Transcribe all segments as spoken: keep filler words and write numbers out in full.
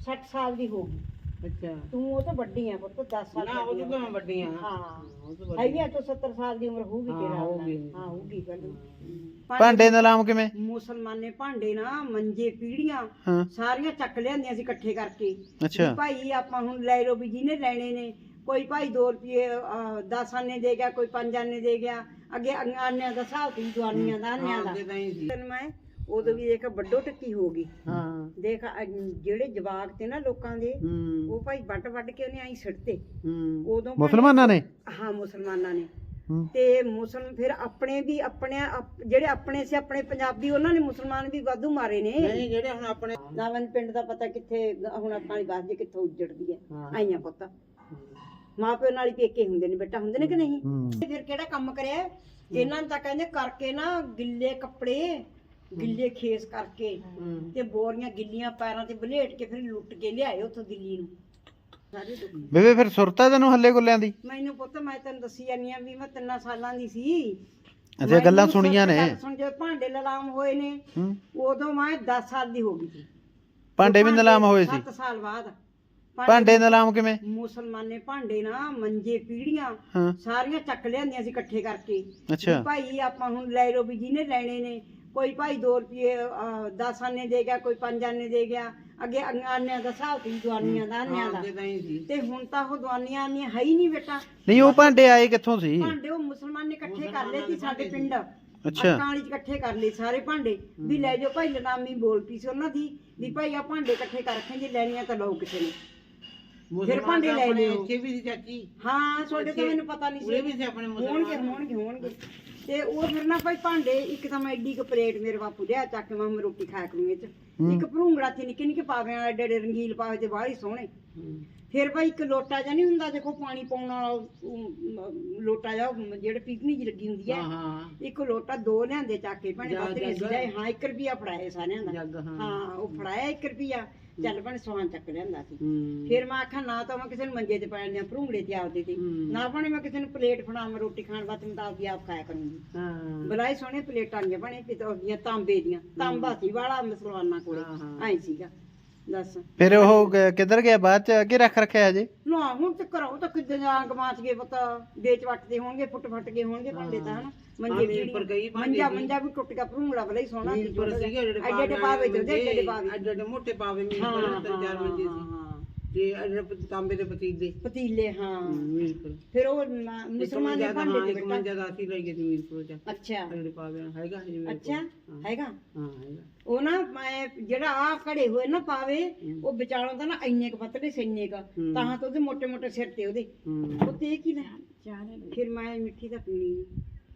ਸੱਠ ਸਾਲ ਦੀ ਹੋ ਗਈ। ਅੱਛਾ ਤੂੰ ਉਹ ਤਾਂ ਵੱਡੀ ਆ ਪੁੱਤ, ਦਸ ਸਾਲ ਨਾ ਉਹ ਵੱਡੀ ਤਾਂ ਮੈਂ ਵੱਡੀ ਆ। ਹਾਂ ਉਹ ਤਾਂ ਵੱਡੀ ਹੈਗੀ ਆ ਤੂੰ ਸੱਤਰ ਸਾਲ ਦੀ ਉਮਰ ਹੋਊਗੀ ਹਾਂ, ਤੇਰਾ ਹੋਊਗੀ। ਹਾਂ ਹੋਊਗੀ ਗੱਲ। ਭਾਂਡੇ ਦਾ ਨਾਮ ਕਿਵੇਂ? ਮੁਸਲਮਾਨ ਨੇ ਭਾਂਡੇ ਨਾ ਮੰਜੇ ਪੀੜੀਆਂ ਹਾਂ ਸਾਰੀਆਂ ਚੱਕ ਲਿਆਂਦੀਆਂ ਸੀ ਇਕੱਠੇ ਕਰਕੇ। ਅੱਛਾ ਵੀ ਭਾਈ ਆਪਾਂ ਹੁਣ ਲੈ ਲਓ ਵੀ ਜਿਹਨੇ ਲੈਣੇ ਨੇ, ਕੋਈ ਭਾਈ ਦੋ ਰੁਪਏ ਦਸ ਆਨੇ ਦੇ ਗਿਆ, ਕੋਈ ਪੰਜ ਆਨੇ ਦੇ ਗਿਆ। ਅੱਗੇ ਆਨਿਆਂ ਦਾ ਹਿਸਾਬ ਸੀ, ਦਵਾਨੀਆਂ ਦਾ ਆਨਿਆਂ ਦਾ। ਅੱਗੇ ਤਾਂ ਹੀ ਸੀ। ਤੈਨੂੰ ਮੈਂ ਉਦੋਂ ਵੀ ਇੱਕ ਵੱਡੋ ਟੱਕੀ ਹੋ ਗਈ। ਹਾਂ ਦੇਖ ਅਹ ਜਿਹੜੇ ਜਵਾਕ ਤੇ ਨਾ ਲੋਕਾਂ ਦੇ, ਹੂੰ ਉਹ ਭਾਈ ਵੱਟ ਵੱਟ ਕੇ ਉਹਨੇ ਆਈ ਸਿੱਟਤੇ ਹੂੰ ਉਦੋਂ ਭਾਈ- ਮੁਸਲਮਾਨਾਂ ਨੇ? ਹਾਂ ਮੁਸਲਮਾਨਾਂ ਨੇ। ਹੂੰ। ਤੇ ਮੁਸਲਮ ਫਿਰ ਆਪਣੇ ਵੀ ਆਪਣੇ ਆਪ- ਜਿਹੜੇ ਆਪਣੇ ਸੀ ਆਪਣੇ ਪੰਜਾਬੀ, ਉਹਨਾਂ ਨੇ ਮੁਸਲਮਾਨ ਵੀ ਵਾਧੂ ਮਾਰੇ ਨੇ। ਨਹੀਂ ਜਿਹੜੇ ਹੁਣ ਆਪਣੇ ਨਾਵਨ ਪਿੰਡ ਦਾ ਪਤਾ ਕਿੱਥੇ ਹੁਣ ਆਪਾਂ ਦੀ ਬਾਤ ਜੇ ਕਿੱਥੋਂ ਉੱਜੜਦੀ ਹੈ। ਹਾਂ। ਆਈਆਂ ਪੁੱਤ ਮਾਂ ਪਿਓ ਨਾਲ ਹੀ ਪੇਕੇ ਹੁੰਦੇ ਨੇ ਬੇਟਾ, ਹੁੰਦੇ ਨੇ ਕਿ ਨਹੀਂ? ਹੂੰ। ਤੇ ਫਿਰ ਕਿਹੜਾ ਕੰਮ ਕਰਿਆ ਇਹਨਾਂ ਨੇ? ਤਾਂ ਕਹਿੰਦੇ ਕਰਕੇ ਨਾ ਗਿੱਲੇ ਕੱਪੜੇ, ਗਿੱਲੇ ਖੇਸ ਕਰਕੇ ਹੂੰ ਤੇ ਬੋਰੀਆਂ ਗਿੱਲੀਆਂ ਪੈਰਾਂ ਤੇ ਬਲੇਟ ਕੇ ਫਿਰ ਲੁੱਟ ਕੇ ਲਿਆਏ ਉੱਥੋਂ ਦਿੱਲੀ ਨੂੰ ਸਾਰੇ ਦੁਖੀ। ਬੇਬੇ ਫਿਰ ਸੁਰਤਾ ਤੈਨੂੰ ਹੱਲੇ ਗੁੱਲਿਆਂ ਦੀ? ਮੈਨੂੰ ਪੁੱਤ ਮੈਂ ਤੈਨੂੰ ਦੱਸੀ ਜਾਨੀ ਆ ਵੀ ਮੈਂ ਤਿੰਨਾਂ ਸਾਲਾਂ ਦੀ ਸੀ। ਅੱਛਾ ਗੱਲਾਂ ਮੈਨੂੰ ਸੁਣੀਆਂ ਨੇ? ਗੱਲ ਸੁਣ, ਜਦੋਂ ਭਾਂਡੇ ਲਲਾਮ ਹੋਏ ਨੇ ਹੂੰ। ਉਦੋਂ ਮੈਂ ਦਸ ਸਾਲ ਦੀ ਹੋ ਗਈ ਸੀ। ਭਾਂਡੇ ਵੀ ਨਿਲਾਮ ਹੋਏ ਸੀ? ਸੱਤ ਸਾਲ ਬਾਅਦ ਭਾਂਡੇ ਨਿਲਾਮ ਕਿਵੇਂ? ਮੁਸਲਮਾਨ ਨੇ ਭਾਂਡੇ ਨਾ ਮੰਜੇ ਪੀੜੀਆਂ ਹਾਂ ਸਾਰੀਆਂ ਚੱਕ ਲਿਆਂਦੀਆਂ ਸੀ ਇਕੱਠੇ ਕਰਕੇ। ਅੱਛਾ ਵੀ ਭਾਈ ਆਪਾਂ ਹੁਣ ਲੈ ਲਓ ਵੀ ਜਿਹਨੇ ਲੈਣੇ ਨੇ, ਕੋਈ ਭਾਈ ਦੋ ਰੁਪਏ ਦਸ ਆਨੇ ਦੇ ਗਿਆ, ਕੋਈ ਪੰਜ ਆਨੇ ਦੇ ਗਿਆ। ਅੱਗੇ ਆਨਿਆਂ ਦਾ ਹਿਸਾਬ ਸੀ, ਦਵਾਨੀਆਂ ਦਾ ਆਨਿਆਂ ਦਾ। ਅੱਗੇ ਤਾਂ ਹੀ ਸੀ। ਤੇ ਹੁਣ ਤਾਂ ਉਹ ਦਵਾਨੀਆਂ ਆਨੀਆਂ ਹੈ ਹੀ ਨਹੀਂ ਬੇਟਾ। ਨਹੀਂ ਉਹ ਭਾਂਡੇ ਆਏ ਕਿੱਥੋਂ ਸੀ? ਭਾਂਡੇ ਉਹ ਮੁਸਲਮਾਨ ਨੇ ਇਕੱਠੇ ਕਰ ਲਏ ਸੀ ਸਾਡੇ ਪਿੰਡ। ਅੱਛਾ। ਅਕਾਲੀ ਚ ਇਕੱਠੇ ਕਰ ਲਏ ਸਾਰੇ ਭਾਂਡੇ ਵੀ ਲੈ ਜਾਓ ਭਾਈ। ਲਨਾਮੀ ਬੋਲ ਪਈ ਸੀ ਉਹਨਾਂ ਦੀ ਵੀ ਭਾਈ ਆ ਭਾਂਡੇ ਇਕੱਠੇ ਕਰ ਰੱਖੇ, ਜੇ ਲੈਣੀਆਂ ਤਾਂ ਲਓ ਕਿਸੇ ਨੇ। ਫਿਰ ਭਾਂਡੇ ਲੈ ਆਪਣੇ ਲਿਓ। ਇੱਥੇ ਵੀ ਸੀ ਚਾਚੀ। ਹਾਂ ਤੁਹਾਡੇ ਤਾਂ ਮੈਨੂੰ ਪਤਾ ਨਹੀਂ ਉਰੇ ਵੀ ਸੀ। ਸੀ ਆਪਣੇ ਹੋਣਗੇ ਮੁਸਲਮਾਨ। ਹੋਣਗੇ ਹੋਣਗੇ ਤੇ ਉਹ ਫਿਰ ਨਾ ਭਾਈ ਭਾਂਡੇ, ਇੱਕ ਤਾਂ ਮੈਂ ਐਡੀ ਕੁ ਪਲੇਟ ਮੇਰੇ ਬਾਪੂ ਲਿਆ ਚੱਕ ਕੇ, ਮੈਂ ਮੈਂ ਰੋਟੀ ਖਾਇਆ ਕਰੂੰ ਇਹ ਚ। ਇੱਕ ਭਰੂੰਗੜਾ ਸੀ ਨਿੱਕੇ ਨਿੱਕੇ ਪਾਵੇ ਵਾਲੇ, ਏਡੇ ਰੰਗੀਲ ਪਾਵੇ ਤੇ ਬਾਹਲੀ ਸੋਹਣੇ। ਹੂੰ ਫਿਰ ਭਾਈ ਇੱਕ ਲੋਟਾ ਜਿਹਾ ਨਹੀਂ ਹੁੰਦਾ ਦੇਖੋ ਪਾਣੀ ਪਾਉਣ ਵਾਲਾ, ਉਹ, ਮ, ਲੋਟਾ ਜਿਹਾ ਜਿਹੜਾ ਪੀਪਣੀ ਜਿਹੀ ਲੱਗੀ ਹੁੰਦੀ ਹੈ। ਹਾਂ ਹਾਂ ਇੱਕ ਲੋਟਾ ਦੋ ਲਿਆਂਦੇ ਚੱਕ ਕੇ ਭੈਣੇ, ਜੱਗ- ਬੱਤਰੀ ਜੱਗ। ਸੀ ਹਾਂ ਇੱਕ ਰੁਪਿਆ ਫੜਾਏ ਸਾਰਿਆਂ ਦਾ। ਜੱਗ ਹਾਂ ਹਾਂ ਉਹ ਫੜਾਇਆ ਇੱਕ ਰੁਪਿਆ, ਚੱਲ ਭੈਣੇ ਸੋਹਾਂ ਚੱਕ ਲਿਆਂਦਾ ਸੀ। ਹੂੰ ਫਿਰ ਮੈਂ ਆਖਾਂ ਨਾ ਤਾਂ ਮੈਂ ਕਿਸੇ ਨੂੰ ਮੰਜੇ ਤੇ ਪੈਣ ਦਿਆਂ, ਭਰੂੰਗੜੇ ਤੇ ਆਪਦੇ ਤੇ ਹੂੰ। ਨਾ ਭੈਣੇ ਮੈਂ ਕਿਸੇ ਨੂੰ ਪਲੇਟ ਫੜਾਵਾਂ ਰੋਟੀ ਖਾਣ ਵਾਸਤੇ, ਮੈਂ ਤਾਂ ਆਪਦੀ ਆਪ ਖਾਇਆ ਕਰੂੰਗੀ। ਹਾਂ ਬਲਾਈ ਸੋਹਣੇ ਪਲੇਟਾਂ ਦੀਆਂ ਬਣੇ ਪਿੱਤਲ ਦੀਆਂ, ਤਾਂਬੇ ਦੀਆਂ। ਤਾਂਬਾ ਸੀ ਵਾਲਾ ਮੁਸਲਮਾਨਾਂ ਕੋਲੇ, ਹਾਂ, ਹਾਂ। ਐਂ ਸੀਗਾ। ਦੱਸ ਫਿਰ ਉਹ ਕ- ਕਿੱਧਰ ਗਿਆ ਬਾਅਦ ਚ? ਅੱਗੇ ਰੱਖ ਰੱਖਿਆ ਹਜੇ? ਨਾ ਹੁਣ ਤੇ ਕਰੋ ਤਾਂ ਕਿੱਦਾਂ ਜਾਂ ਗਮਾਚ ਗਏ ਪਤਾ, ਵੇਚ ਵੱਟਦੇ ਹੋਣਗੇ, ਫੁੱਟ ਫੱਟ ਗਏ ਹੋਣਗੇ ਭਾਂਡੇ ਤਾਂ ਹਨਾ। ਮੰਜੇ ਹਾਂ, ਵੀ ਉੱਪਰ ਗਈ ਭਾਂਡੇ ਮੰਜਾ ਦੀ। ਮੰਜਾ ਵੀ ਟੁੱਟ ਗਿਆ, ਭਰੂੰਗੜਾ ਬਲਾ ਹੀ ਸੋਹਣਾ ਸੀ। ਮੀਲ ਪਰ ਸੀਗੇ ਜਿਹੜੇ ਐਡੇ ਐਡੇ ਪਾਵੇ ਤੇ ਉਹਦੇ ਐਡੇ ਪਾਵੇ। ਐਡੇ ਐਡੇ ਮੋਟੇ ਪਾਵੇ ਮੀਲ ਹਾਂ, ਪਰ ਹਾਂ, ਤਿੰਨ ਚਾਰ ਮੰਜੇ ਸੀ। ਹਾਂ, ਤੇ ਐਡੇ ਤਾਂਬੇ ਦੇ ਪਤੀਲੇ ਪਤੀਲੇ ਹਾਂ। ਮੀਲ ਪਰ ਫਿਰ ਉਹ ਮ- ਮੁਸਲਮਾਨ ਦੇ ਭਾਂਡੇ ਦੇ ਇੱਕ ਬੇਟਾ। ਮੰਜਾ ਦਾ ਅਸੀਂ ਲੈ ਗਏ ਸੀ ਮੀਲ ਪਰ ਚ। ਅੱਛਾ ਐਡੇ ਪਾਵੇ ਹੈਗਾ ਜੀ ਮੇਰੇ ਅੱਛਾ ਕੋਲ। ਹੈਗਾ ਹਾਂ ਹੈਗਾ। ਉਹ ਨਾ ਮੈਂ ਜਿਹੜਾ ਆ ਘੜੇ ਹੋਏ ਨਾ ਪਾਵੇ, ਉਹ ਵਿਚਾਲੋਂ ਤਾਂ ਨਾ ਇੰਨੇ ਕ ਪਤਲੇ ਸੀ, ਇੰਨੇ ਕ ਹੂੰ। ਤਾਂ ਤਾਂ ਉਹਦੇ ਮੋਟੇ ਮੋਟੇ ਸਿਰ ਤੇ ਉਹਦੇ। ਹੂੰ ਉਹ ਤੇ ਕੀ ਲੈ ਫਿਰ ਮੈਂ ਮਿੱਠੀ ਦਾ ਪੀਣੀ ਨੀ।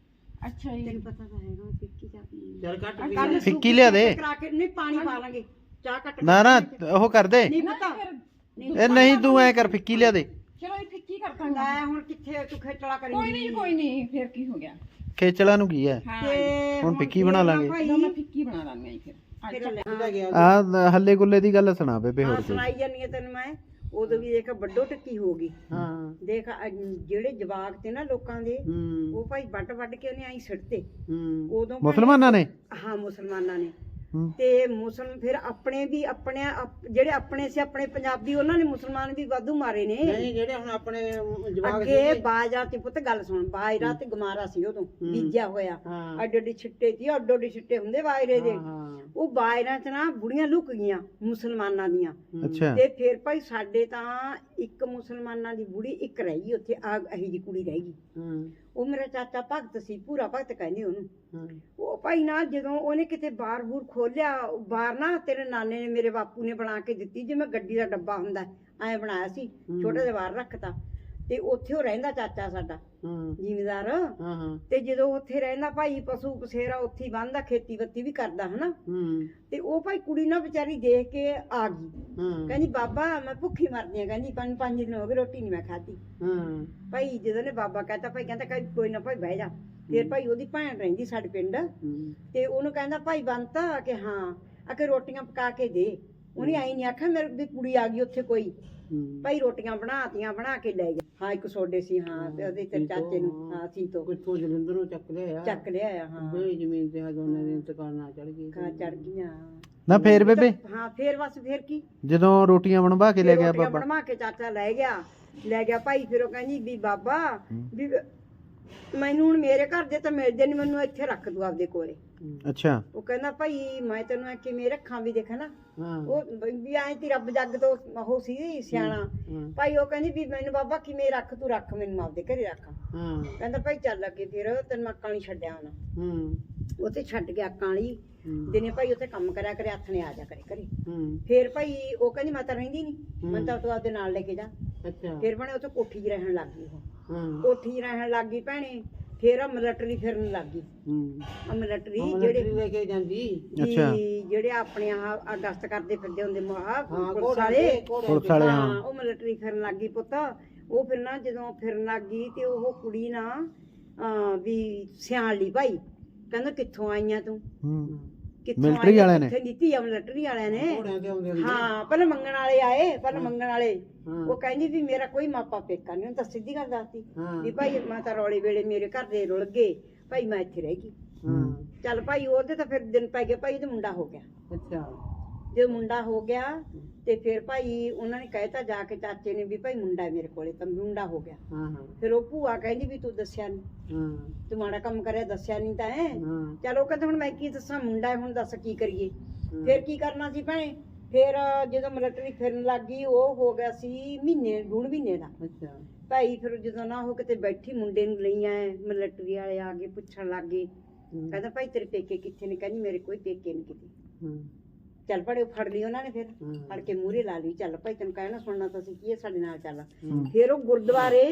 ਅੱਛਾ ਜੀ। ਤੈਨੂੰ ਪਤਾ ਤਾਂ ਹੈਗਾ ਮੈਂ ਫਿੱਕੀ ਚਾਹ ਪੀਣੀ ਚੱਲ ਕੱਟ ਆ। ਵੀ ਕੱਲ੍ਹ ਫਿੱਕੀ ਲਿਆ ਦੇ। ਕਰਾ ਕੇ ਨਹੀਂ ਪਾਣੀ ਪਾ ਲਾਂਗੇ, ਚਾਹ ਕੱਟ ਨਾ ਨਾ ਉਹ ਕਰ ਦੇ। ਨਹੀਂ ਪਤਾ ਇਹ ਨਹੀਂ ਤੂੰ ਐ ਕਰ ਫਿੱਕੀ ਲਿਆ ਦੇ। ਚਲੋ ਇਹ ਫਿੱਕੀ ਕਰ ਦਾਂਗੇ। ਲੈ ਹੁਣ ਕਿੱਥੇ ਤੂੰ ਖੇਚਲਾ ਕੋਈ ਕਰੀਂਗੀ। ਨਹੀਂ ਕੋਈ ਨਹੀਂ, ਫਿਰ ਕੀ ਹੋ ਗਿਆ। ਖੇਚਲਾਂ ਨੂੰ ਕੀ ਹੈ? ਹਾਂ ਤੇ ਹੁਣ ਫਿੱਕੀ ਬਣਾ ਲਾਂਗੇ। ਭਾਈ ਲਓ ਮੈਂ ਫਿੱਕੀ ਬਣਾ ਦਾਂਗਾ ਜੀ ਫਿਰ। ਫਿਰ ਲੈ ਲੈ ਗਿਆ ਆ ਹੱਲੇ ਗੁੱਲੇ ਦੀ ਗੱਲ ਸੁਣਾ ਬੇਬੇ ਹਾਂ ਹੋਰ ਕੋਈ। ਸੁਣਾਈ ਜਾਨੀ ਆ ਤੈਨੂੰ ਮੈਂ। ਉਦੋਂ ਵੀ ਇੱਕ ਵੱਡੋ ਟੱਕੀ ਹੋ ਗਈ। ਹਾਂ ਦੇਖ ਅਹ ਜਿਹੜੇ ਜਵਾਕ ਤੇ ਨਾ ਲੋਕਾਂ ਦੇ, ਹੂੰ ਉਹ ਭਾਈ ਵੱਟ ਵੱਟ ਕੇ ਉਹਨੇ ਆਈ ਸਿੱਟਤੇ ਹੂੰ ਉਦੋਂ ਭਾਈ- ਮੁਸਲਮਾਨਾਂ ਨੇ? ਹਾਂ ਮੁਸਲਮਾਨਾਂ ਨੇ। ਹੂੰ। ਤੇ ਮੁਸਲਮ ਫਿਰ ਆਪਣੇ ਵੀ ਆਪਣੇ ਆਪ- ਜਿਹੜੇ ਆਪਣੇ ਸੀ ਆਪਣੇ ਪੰਜਾਬੀ, ਉਹਨਾਂ ਨੇ ਮੁਸਲਮਾਨ ਵੀ ਵਾਧੂ ਮਾਰੇ ਨੇ। ਨਹੀਂ ਜਿਹੜੇ ਹੁਣ ਆਪਣੇ ਜਵਾਕ ਅੱਗੇ ਬਾਜਰਾ ਤੇ ਪੁੱਤ ਗੱਲ ਸੁਣ, ਬਾਜਰਾ ਤੇ ਗਮਾਰਾ ਸੀ ਉਦੋਂ ਬੀਜਿਆ ਹੋਇਆ। ਹਾਂ ਅੱਡ ਅੱਡ ਛਿੱਟੇ ਸੀ, ਅੱਡ ਅੱਡ ਛਿੱਟੇ ਹੁੰਦੇ ਬਾਜਰੇ ਦੇ। ਹਾਂ ਉਹ ਬਾਜਰਾ ਚ ਨਾ ਬੁੜੀਆਂ ਲੁਕ ਗਈਆਂ ਮੁਸਲਮਾਨਾਂ ਦੀਆਂ। ਅੱਛਾ ਤੇ ਫਿਰ ਭਾਈ ਸਾਡੇ ਤਾਂ ਇੱਕ ਮੁਸਲਮਾਨਾਂ ਦੀ ਬੁੜੀ ਇੱਕ ਰਹਿ ਗਈ ਉੱਥੇ, ਆ ਇਹੀ ਜੀ ਕੁੜੀ ਰਹਿ ਗਈ। ਹਾਂ ਉਹ ਮੇਰਾ ਚਾਚਾ ਭਗਤ ਸੀ, ਪੂਰਾ ਭਗਤ ਕਹਿੰਦੇ ਉਹਨੂੰ। ਹਾਂ ਉਹ ਭਾਈ ਨਾ ਜਦੋਂ ਉਹਨੇ ਕਿਤੇ ਬਾਰ ਬੂਰ ਖੋਲਿਆ, ਬਾਰ ਨਾ ਤੇਰੇ ਨਾਨੇ ਨੇ ਮੇਰੇ ਬਾਪੂ ਨੇ ਬਣਾ ਕੇ ਦਿੱਤੀ, ਜਿਵੇਂ ਗੱਡੀ ਦਾ ਡੱਬਾ ਹੁੰਦਾ ਐ ਬਣਾਇਆ ਸੀ, ਛੋਟਾ ਜਿਹਾ ਬਾਹਰ ਰੱਖਤਾ। ਤੇ ਉੱਥੇ ਉਹ ਰਹਿੰਦਾ ਚਾਚਾ ਸਾਡਾ ਹਾਂ ਜ਼ਿਮੀਦਾਰ। ਹਾਂ ਹਾਂ ਤੇ ਜਦੋਂ ਉੱਥੇ ਰਹਿੰਦਾ ਭਾਈ, ਪਸ਼ੂ ਪਸੇਰਾ ਉੱਥੇ ਹੀ ਬੰਨਦਾ, ਖੇਤੀ ਬੱਤੀ ਵੀ ਕਰਦਾ ਹਨਾ। ਹੂੰ ਤੇ ਉਹ ਭਾਈ ਕੁੜੀ ਨਾ ਵਿਚਾਰੀ ਦੇਖ ਕੇ ਆ ਗਈ, ਹਾਂ ਕਹਿੰਦੀ ਬਾਬਾ ਮੈਂ ਭੁੱਖੀ ਮਰਦੀ ਆ, ਕਹਿੰਦੀ ਪੰਜ ਪੰਜ ਦਿਨ ਹੋ ਗਏ ਰੋਟੀ ਨਹੀਂ ਮੈਂ ਖਾਧੀ। ਹਾਂ ਭਾਈ ਜਦੋਂ ਨੇ ਬਾਬਾ ਕਹਤਾ, ਭਾਈ ਕਹਿੰਦਾ ਕਹਿੰਦਾ ਕੋਈ ਨਾ ਭਾਈ ਬਹਿ ਜਾ। ਫਿਰ ਭਾਈ ਉਹਦੀ ਭੈਣ ਰਹਿੰਦੀ ਸਾਡੇ ਪਿੰਡ, ਹੂੰ ਤੇ ਉਹਨੂੰ ਕਹਿੰਦਾ ਭਾਈ ਬੰਤਾ ਕਿ ਹਾਂ ਆ ਕੇ ਰੋਟੀਆਂ ਪਕਾ ਕੇ ਦੇ। ਉਹਨੇ ਆਈ ਨਹੀਂ ਆਖਿਆ ਮੇਰੇ ਵੀ ਕੁੜੀ ਆ ਗਈ ਉੱਥੇ ਕੋਈ। ਹੂੰ ਭਾਈ ਰੋਟੀਆਂ ਬਣਾਤੀਆਂ, ਬਣਾ ਕੇ ਲੈ ਗਿਆ। ਹਾਂ ਇੱਕ ਸੋਡੇ ਸੀ ਹਾਂ, ਤੇ ਉਹਦੇ ਤੇ ਚਾਚੇ ਨੂੰ ਹਾਂ ਸੀ ਤੋਂ ਕਿੱਥੋਂ ਜਲੰਧਰੋਂ ਚੱਕ ਲਿਆ ਚੱਕ ਲਿਆਇਆ। ਹਾਂ ਬਈ ਜ਼ਮੀਨ ਤੇ ਦੋਨਾਂ ਦੇ ਇੰਤਕਾਲ ਨਾਲ ਚੜ ਗਈ ਖਾ ਚੜ ਗਈਆਂ। ਨਾ ਫੇਰ ਬੇਬੇ ਹਾਂ ਫੇਰ ਬਸ ਫੇਰ ਕੀ ਜਦੋਂ ਰੋਟੀਆਂ ਬਣਵਾ ਕੇ ਲੈ ਗਿਆ ਰੋਟੀਆਂ ਬਾਬਾ ਬਣਵਾ ਕੇ ਚਾਚਾ ਲੈ ਗਿਆ ਲੈ ਗਿਆ ਭਾਈ। ਫਿਰ ਉਹ ਕਹਿੰਦੀ ਵੀ ਬਾਬਾ ਵੀ ਮੈਨੂੰ ਹੁਣ ਮੇਰੇ ਘਰ ਦੇ ਤਾਂ ਮਿਲਦੇ ਨਹੀਂ, ਮੈਨੂੰ ਇੱਥੇ ਰੱਖ ਦੂ ਆਪਦੇ ਕੋਲੇ। ਅੱਛਾ ਉਹ ਕਹਿੰਦਾ ਭਾਈ ਮੈਂ ਤੈਨੂੰ ਆ ਕਿਵੇਂ ਰੱਖਾਂ ਵੀ ਦੇਖ ਨਾ ਹਾਂ ਉਹ ਵੀ ਐਂ ਤੀ ਰੱਬ ਜੱਗ ਤੋਂ ਉਹ ਸੀ ਸਿਆਣਾ ਹਾਂ ਭਾਈ। ਉਹ ਕਹਿੰਦੀ ਵੀ ਮੈਨੂੰ ਬਾਬਾ ਕਿਵੇਂ ਰੱਖ ਤੂੰ ਰੱਖ ਮੈਨੂੰ ਆਪਦੇ ਘਰੇ ਰੱਖ। ਹਾਂ ਕਹਿੰਦਾ ਭਾਈ ਚੱਲ ਅੱਗੇ ਫਿਰ ਤੈਨੂੰ ਮੈਂ ਅੱਕਾਂ ਵਾਲੀ ਛੱਡਿਆ ਹੁਣ ਹੂੰ ਉੱਥੇ ਛੱਡ ਕੇ ਅੱਕਾਂ ਵਾਲੀ ਦਿਨੇ ਭਾਈ ਉੱਥੇ ਕੰਮ ਕਰਿਆ ਕਰੇ ਹੱਥ ਨੇ ਆ ਜਾ ਕਰੇ ਘਰੇ। ਹੂੰ ਫਿਰ ਭਾਈ ਉਹ ਕਹਿੰਦੀ ਮੈਂ ਤਾਂ ਰਹਿੰਦੀ ਨਹੀਂ, ਮੈਂ ਤਾਂ ਤੂੰ ਆਪਦੇ ਨਾਲ ਲੈ ਕੇ ਜਾ। ਅੱਛਾ ਫਿਰ ਬਣੇ ਉੱਥੇ ਕੋਠੀ 'ਚ ਰਹਿਣ ਲੱਗ ਗਈ ਉਹ ਹਾਂ ਕੋਠੀ 'ਚ ਰਹਿਣ ਲੱਗ ਗਈ ਭੈਣੇ। ਫਿਰ ਆ ਮਿਲਟਰੀ ਫਿਰਨ ਲੱਗ ਗਈ। ਹੂੰ ਆ ਮਿਲਟਰੀ ਜਿਹੜੇ ਜਿਹੜੇ ਲੈ ਕੇ ਜਾਂਦੀ ਅੱਛਾ। ਵੀ ਜਿਹੜੇ ਆਪਣੇ ਆਹ ਗਸਤ ਕਰਦੇ ਫਿਰਦੇ ਹੁੰਦੇ ਮਹਾ ਹਾਂ ਪੁਲਿਸ ਕੋੜੇ ਵਾਲੇ ਪੁਲਿਸ ਵਾਲੇ ਹਾਂ ਹਾਂ ਉਹ ਮਿਲਟਰੀ ਫਿਰਨ ਲੱਗ ਗਈ ਪੁੱਤ। ਉਹ ਫਿਰ ਨਾ ਜਦੋਂ ਫਿਰਨ ਲੱਗ ਗਈ ਤੇ ਉਹ ਕੁੜੀ ਨਾ ਅਹ ਵੀ ਸਿਆਣ ਲਈ ਭਾਈ। ਕਹਿੰਦਾ ਕਿੱਥੋਂ ਆਈਆਂ ਤੂੰ, ਹੂੰ ਕਿੱਥੋਂ ਮਿਲਟਰੀ ਵਾਲਿਆਂ ਨੇ? ਕਿੱਥੇ ਦਿੱਤੀ ਆ ਮਿਲਟਰੀ ਵਾਲਿਆਂ ਨੇ। ਕੋੜਿਆਂ ਤੇ ਆਉਂਦੇ ਹੁੰਦੇ ਹਾਂ ਪਹਿਲਾਂ ਮੰਗਣ ਵਾਲੇ ਆਏ, ਪਹਿਲਾਂ ਮੰਗਣ ਵਾਲੇ। ਹਾਂ। ਉਹ ਕਹਿੰਦੀ ਵੀ ਮੇਰਾ ਕੋਈ ਮਾਪਾ ਪੇਕਾ ਨਹੀਂ, ਤਾਂ ਸਿੱਧੀ ਗੱਲ ਦੱਸਤੀ ਹਾਂ ਵੀ ਭਾਈ ਮੈਂ ਤਾਂ ਰੌਲੇ ਵੇਲੇ ਮੇਰੇ ਘਰ ਦੇ ਰੁਲ ਗਏ ਭਾਈ, ਮੈਂ ਇੱਥੇ ਰਹਿ ਗਈ। ਹਾਂ ਚੱਲ ਭਾਈ ਉਹਦੇ ਤਾਂ ਫਿਰ ਦਿਨ ਪੈ ਗਏ ਭਾਈ, ਉਹਦਾ ਮੁੰਡਾ ਹੋ ਗਿਆ। ਅੱਛਾ ਜਦੋਂ ਮੁੰਡਾ ਹੋ ਗਿਆ ਤੇ ਫਿਰ ਭਾਈ ਉਹਨਾਂ ਨੇ ਕਹਿਤਾ ਜਾ ਕੇ ਚਾਚੇ ਨੇ ਵੀ ਭਾਈ ਮੁੰਡਾ ਹੈ ਮੇਰੇ ਕੋਲੇ, ਤਾਂ ਮੁੰਡਾ ਹੋ ਗਿਆ। ਹਾਂ ਹਾਂ ਫਿਰ ਉਹ ਭੂਆ ਕਹਿੰਦੀ ਵੀ ਤੂੰ ਦੱਸਿਆ ਨਹੀਂ, ਹਾਂ ਤੂੰ ਮਾੜਾ ਕੰਮ ਕਰਿਆ ਦੱਸਿਆ ਨਹੀਂ ਤਾਂ ਹੈ। ਹਾਂ ਚਲੋ ਕਹਿੰਦੇ ਹੁਣ ਮੈਂ ਕੀ ਦੱਸਾਂ, ਮੁੰਡਾ ਹੈ ਹੁਣ ਦੱਸ ਕੀ ਕਰੀਏ। ਹਾਂ। ਫਿਰ ਕੀ ਕਰਨਾ ਸੀ ਭੈਣੇ। ਫਿਰ ਜਦੋਂ ਮਿਲਟਰੀ ਫਿਰਨ ਲੱਗ ਗਈ ਉਹ ਹੋ ਗਿਆ ਸੀ ਮਹੀਨੇ ਡੂਢ ਮਹੀਨੇ ਦਾ ਅੱਛਾ ਭਾਈ। ਫਿਰ ਜਦੋਂ ਨਾ ਉਹ ਕਿਤੇ ਬੈਠੀ ਮੁੰਡੇ ਨੂੰ ਲਈ ਆਏ ਮਿਲਟਰੀ ਵਾਲੇ ਆ ਕੇ ਪੁੱਛਣ ਲੱਗ ਗਏ। ਹੂੰ। ਕਹਿੰਦਾ ਭਾਈ ਤੇਰੇ ਪੇਕੇ ਕਿੱਥੇ ਨੇ? ਕਹਿੰਦੀ ਮੇਰੇ ਕੋਈ ਪੇਕੇ ਨਹੀਂ ਕਿਤੇ। ਹਾਂ ਚੱਲ ਪੜੇ ਫੜ ਲਈ ਉਹਨਾਂ ਨੇ। ਫਿਰ ਹਾਂ। ਫੜ ਕੇ ਮੂਹਰੇ ਲਾ ਲਈ, ਚੱਲ ਭਾਈ ਤੈਨੂੰ ਕਹਿਣਾ ਸੁਣਨਾ ਤਾਂ ਸੀ ਕੀ ਹੈ, ਸਾਡੇ ਨਾਲ ਚੱਲ। ਹੂੰ। ਫਿਰ ਉਹ ਗੁਰਦੁਆਰੇ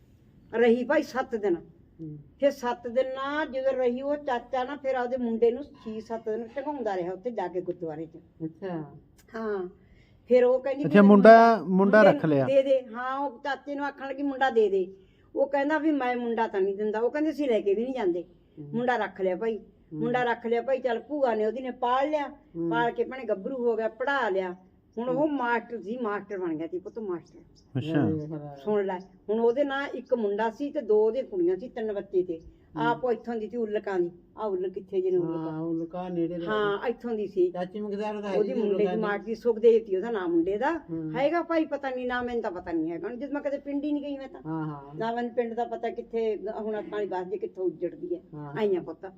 ਰਹੀ ਭਾਈ ਸੱਤ ਦਿਨ। ਹੂੰ। ਫਿਰ ਸੱਤ ਦਿਨ ਨਾ ਜਦੋਂ ਰਹੀ ਉਹ ਚਾਚਾ ਨਾ ਫਿਰ ਆਪਦੇ ਮੁੰਡੇ ਨੂੰ ਛੇ ਸੱਤ ਦਿਨ ਟਿਕਾਉਂਦਾ ਰਿਹਾ ਉੱਥੇ ਜਾ ਕੇ ਗੁਰਦੁਆਰੇ 'ਚ। ਅੱਛਾ ਹਾਂ ਫਿਰ ਉਹ ਕਹਿੰਦੀ ਵੀ ਅੱਛਾ ਮੈਨੂੰ ਮੁੰਡਾ ਮੁੰਡਾ ਮੁੰਡੇ ਰੱਖ ਲਿਆ। ਦੇ ਦੇ। ਹਾਂ ਉਹ ਚਾਚੇ ਨੂੰ ਆਖਣ ਲੱਗੀ ਮੁੰਡਾ ਦੇ ਦੇ। ਉਹ ਕਹਿੰਦਾ ਵੀ ਮੈਂ ਮੁੰਡਾ ਤਾਂ ਨਹੀਂ ਦਿੰਦਾ। ਉਹ ਕਹਿੰਦੇ ਅਸੀਂ ਲੈ ਕੇ ਵੀ ਨਹੀਂ ਜਾਂਦੇ। ਮੁੰਡਾ ਰੱਖ ਲਿਆ ਭਾਈ, ਮੁੰਡਾ ਰੱਖ ਲਿਆ ਭਾਈ। ਚੱਲ ਭੂਆ ਨੇ ਉਹਦੀ ਨੇ ਪਾਲ ਲਿਆ, ਪਾਲ ਕੇ ਭੈਣੇ ਗੱਭਰੂ ਹੋ ਗਿਆ, ਪੜਾ ਲਿਆ। ਹੁਣ ਉਹ ਮਾਸਟਰ ਸੀ, ਮਾਸਟਰ ਬਣ ਗਿਆ ਸੀ ਪੁੱਤ ਮਾਸਟਰ। ਅੱਛਾ ਸੁਣ ਲੈ ਹੁਣ ਉਹਦੇ ਨਾਲ ਇੱਕ ਮੁੰਡਾ ਸੀ ਤੇ ਦੋ ਉਹਦੇ ਕੁੜੀਆਂ ਸੀ, ਤਿੰਨ ਬੱਚੇ ਤੇ। ਆਪ ਉਹ ਇੱਥੋਂ ਦੀ ਸੀ ਉਲਕਾਂ ਦੀ। ਆ ਉਲ ਕਿੱਥੇ ਜਿਹਨੇ ਹਾਂ ਉਲਕਾ, ਉਹ ਲੁਕਾ ਨੇੜੇ ਦੇ ਹਾਂ ਇੱਥੋਂ ਦੀ ਸੀ। ਚਾਚੀ ਮਗਦਾਰ ਦਾ ਉਹਦੀ ਮੁੰਡੇ ਦੀ ਮਾਂ ਦੀ ਸੁਖਦੇਵ ਸੀ ਉਹਦਾ ਨਾਮ ਮੁੰਡੇ ਦਾ। ਹੂੰ। ਹੈਗਾ ਭਾਈ ਪਤਾ ਨਹੀਂ ਨਾ, ਮੈਨੂੰ ਤਾਂ ਪਤਾ ਨਹੀਂ ਹੈਗਾ ਜਦ ਮੈਂ ਕਦੇ ਪਿੰਡ ਹੀ ਨਹੀਂ ਗਈ ਮੈਂ ਤਾਂ। ਹਾਂ ਹਾਂ ਨਾ ਮੈਨੂੰ ਪਿੰਡ ਦਾ ਪਤਾ ਕਿੱਥੇ ਹੁਣ ਆਪਾਂ ਵਾਲੀ ਬਾਤ ਜੇ ਕਿੱਥੋਂ ਉੱਜੜਦੀ ਹੈ। ਹਾਂ। ਆਈਆਂ ਪੁੱਤ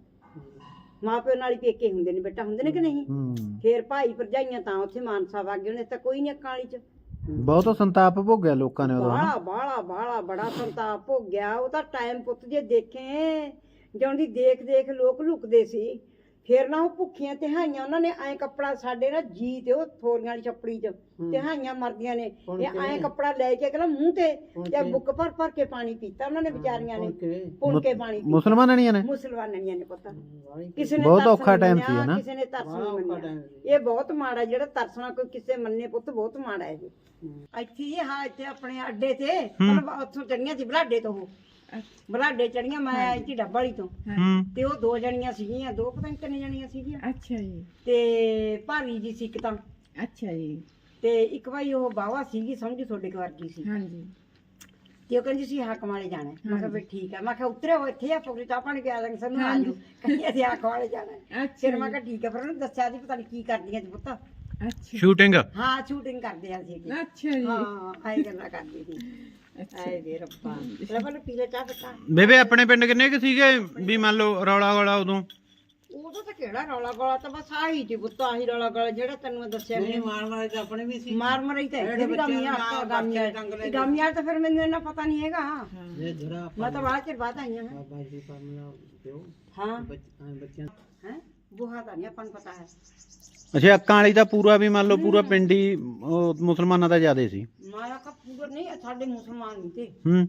ਮਾਂ ਪਿਓ ਨਾਲ ਹੀ ਪੇਕੇ ਹੁੰਦੇ ਨੇ ਬੇਟਾ, ਹੁੰਦੇ ਨੇ ਕਿ ਨਹੀਂ। ਹੂੰ ਫੇਰ ਭਾਈ ਭਰਜਾਈਆਂ ਤਾਂ ਉੱਥੇ ਮਾਨਸਾ ਵਗ ਗਏ ਉਹਨੇ ਤਾਂ ਕੋਈ ਨਹੀਂ ਕਾਲੀ ਚ। ਬਹੁਤ ਸੰਤਾਪ ਭੋਗਿਆ ਲੋਕਾਂ ਨੇ ਉਦੋਂ ਹਨਾ। ਬਾਲਾ ਬਾਲਾ ਬਾਲਾ ਬੜਾ ਸੰਤਾਪ ਹੋ ਗਿਆ। ਉਹਦਾ ਟਾਈਮ ਪੁੱਤ ਜੇ ਦੇਖੇ ਜਿਉਂ ਦੀ ਦੇਖ ਦੇਖ ਲੋਕ ਲੁਕਦੇ ਸੀ। ਫਿਰ ਨਾ ਉਹ ਭੁੱਖੀਆਂ ਤਿਹਾਈਆਂ ਉਹਨਾਂ ਨੇ ਐ ਕੱਪੜਾ ਸਾਡੇ ਨਾ ਜੀ ਤੇ ਉਹ ਥੋਰੀਆਂ ਵਾਲੀ ਛੱਪੜੀ ਚ ਤਿਹਾਈਆਂ ਮਰਦੀਆਂ ਨੇ। ਇਹ ਐ ਕੱਪੜਾ ਲੈ ਕੇ ਅਗਲਾ ਮੂੰਹ ਤੇ ਤੇ ਬੁੱਕ ਭਰ ਭਰ ਕੇ ਪਾਣੀ ਪੀਤਾ ਉਹਨਾਂ ਨੇ ਵਿਚਾਰੀਆਂ ਨੇ। ਪੁਣ ਕੇ ਪਾਣੀ ਪੀਤਾ। ਮੁਸਲਮਾਨੀਆਂ ਨੇ ਮੁਸਲਮਾਨੀਆਂ ਨੇ ਪੁੱਤ। ਕਿਸੇ ਨੇ ਬਹੁਤ ਤਰਸ ਔਖਾ ਨਹੀਂ time ਸੀ, ਮੰਨਿਆ, ਹਨਾ? ਕਿਸੇ ਨੇ ਤਰਸ ਨਹੀਂ ਬੜਾ ਔਖਾ ਮੰਨਿਆ। time ਸੀ। ਇਹ ਬਹੁਤ ਮਾੜਾ ਜਿਹੜਾ ਤਰਸਣਾ ਕੋਈ ਕਿਸੇ ਮੰਨੇ ਪੁੱਤ ਬਹੁਤ ਮਾੜਾ ਹੈ ਇਹ। ਇੱਥੇ ਹੀ ਹਾਂ ਇੱਥੇ ਆਪਣੇ ਅੱਡੇ ਤੇ ਮਤਲਬ ਉੱਥੋਂ ਚੜੀਆਂ ਸੀ ਬਲਾਡੇ ਤੋਂ। ਉਹ ਬਲਾਡੇ ਚੜੀਆਂ ਮੈਂ ਆਈ ਸੀ ਡੱਬ ਵਾਲੀ ਤੋਂ। ਹੂੰ ਤੇ ਉਹ ਦੋ ਜਣੀਆਂ ਸੀਗੀਆਂ, ਦੋ ਪਤਾ ਨਹੀਂ ਕਿੰਨੇ ਜਣੀਆਂ ਸੀਗੀਆਂ। ਅੱਛਾ ਜੀ ਤੇ ਭਾਰੀ ਜੀ ਸੀ ਇੱਕ ਤਾਂ, ਅੱਛਾ ਜੀ ਤੇ ਇੱਕ ਭਾਈ ਉਹ ਬਾਵਾ ਸੀਗੀ ਸਮਝੀ ਤੁਹਾਡੇ ਘਰ ਵਰਗੀ ਸੀ। ਹਾਂਜੀ ਤੇ ਉਹ ਕਹਿੰਦੀ ਸੀ ਹਾਕਮ ਵਾਲੇ ਜਾਣਾ ਹੈ। ਮੈਂ ਕਿਹਾ ਵੀ ਠੀਕ ਹੈ। ਮੈਂ ਕਿਹਾ ਉਤਰੇ ਹੋ ਇੱਥੇ ਆ ਪਕੜੀ ਚਾਹ ਪਾਣੀ ਪਿਆ ਦਾਂਗੇ ਸਾਨੂੰ ਆ ਜਾਓ। ਕਹਿੰਦੀ ਅਸੀਂ ਹਾਕਮ ਵਾਲੇ ਜਾਣਾ ਹੈ। ਅੱਛਾ ਫਿਰ ਮੈਂ ਕਿਹਾ ਠੀਕ ਹੈ। ਫਿਰ ਉਹਨੇ ਦੱਸਿਆ ਸੀ ਪਤਾ ਨਹੀਂ ਕੀ ਕਰਦੀਆਂ ਸੀ ਪੁੱਤ। ਅੱਛਾ ਸ਼ੂਟਿੰਗ ਹਾਂ ਸ਼ੂਟਿੰਗ ਕਰਦੇ ਆ ਸੀ। ਅੱਛਾ ਜੀ ਹਾਂ ਆਈ ਗੱਲਾਂ ਕਰਦੀ ਸੀ। ਆਏ ਵੇ ਰੱਬਾ ਰੱਬਾ ਪੀਲੇ ਚਾਹ ਪਤਾ। ਬੇਬੇ ਆਪਣੇ ਪਿੰਡ ਕਿੰਨੇ ਕੁ ਸੀਗੇ ਵੀ ਮੰਨ ਲਓ ਰੌਲਾ ਗੋਲਾ ਉਦੋਂ? ਉਦੋਂ ਤਾਂ ਕਿਹੜਾ ਰੌਲਾ ਗੋਲਾ ਤਾਂ ਬਸ ਆਹੀ ਸੀ ਪੁੱਤ, ਆਹੀ ਰੌਲਾ ਗੋਲਾ ਜਿਹੜਾ ਤੈਨੂੰ ਮੈਂ ਦੱਸਿਆ ਨਹੀਂ ਮੈਨੂੰ। ਮਾਰ ਮਾਰ ਤੇ ਆਪਣੇ ਵੀ ਸੀ ਮਾਰ ਮਰਾਈ ਤਾਂ ਇੱਥੇ ਵੀ ਗਾਮੀਆਂ ਗਾਮੀਆਂ ਗਾਮੀਆਂ ਤਾਂ ਫਿਰ ਮੈਨੂੰ ਇਹਨਾਂ ਪਤਾ ਨਹੀਂ ਹੈਗਾ। ਇਹ ਧਰਾ ਮੈਂ ਤਾਂ ਬਾਅਦ ਚ ਬਾਅਦ ਆਈਆਂ ਹਾਂ। ਬਾਬਾ ਜੀ ਪਰਮਲਾ ਪਿਓ ਹਾਂ ਬੱਚਿਆਂ ਬੱਚਿਆਂ ਹੈ ਬੁਹਾ ਤਾਂ ਨਹੀਂ ਆਪਾਂ ਨੂੰ ਪਤਾ ਹੈ। ਅੱਛਾ ਅੱਕਾਂ ਵਾਲੀ ਦਾ ਪੂਰਾ ਵੀ ਮੰਨ ਲਓ ਪੂਰਾ ਪਿੰਡ ਹੀ ਉਹ ਮੁਸਲਮਾਨਾਂ ਦਾ ਜ਼ਿਆਦੇ ਸੀ। ਮਾਰਾ ਕਾ ਪੂਰਾ ਨਹੀਂ ਸਾਡੇ ਮੁਸਲਮਾਨ ਨਹੀਂ ਤੇ ਹੂੰ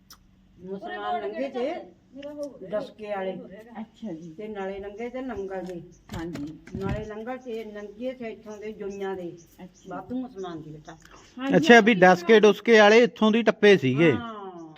ਮੁਸਲਮਾਨ ਲੰਗੇ ਤੇ ਡਸਕੇ ਵਾਲੇ ਅੱਛਾ ਜੀ ਤੇ ਨਾਲੇ ਲੰਗੇ ਤੇ ਨੰਗਲ ਦੇ। ਹਾਂਜੀ ਨਾਲੇ ਲੰਗਰ ਤੇ ਨੰਗੇ ਤੇ ਇੱਥੋਂ ਦੇ ਜੁਨੀਆਂ ਦੇ ਅੱਛਾ ਬਾਤੂ ਮੁਸਲਮਾਨ ਦੀ ਬੇਟਾ। ਅੱਛਾ ਵੀ ਡਸਕੇ ਡੁਸਕੇ ਵਾਲੇ ਇੱਥੋਂ ਦੀ ਟੱਪੇ ਸੀਗੇ ਹਾਂ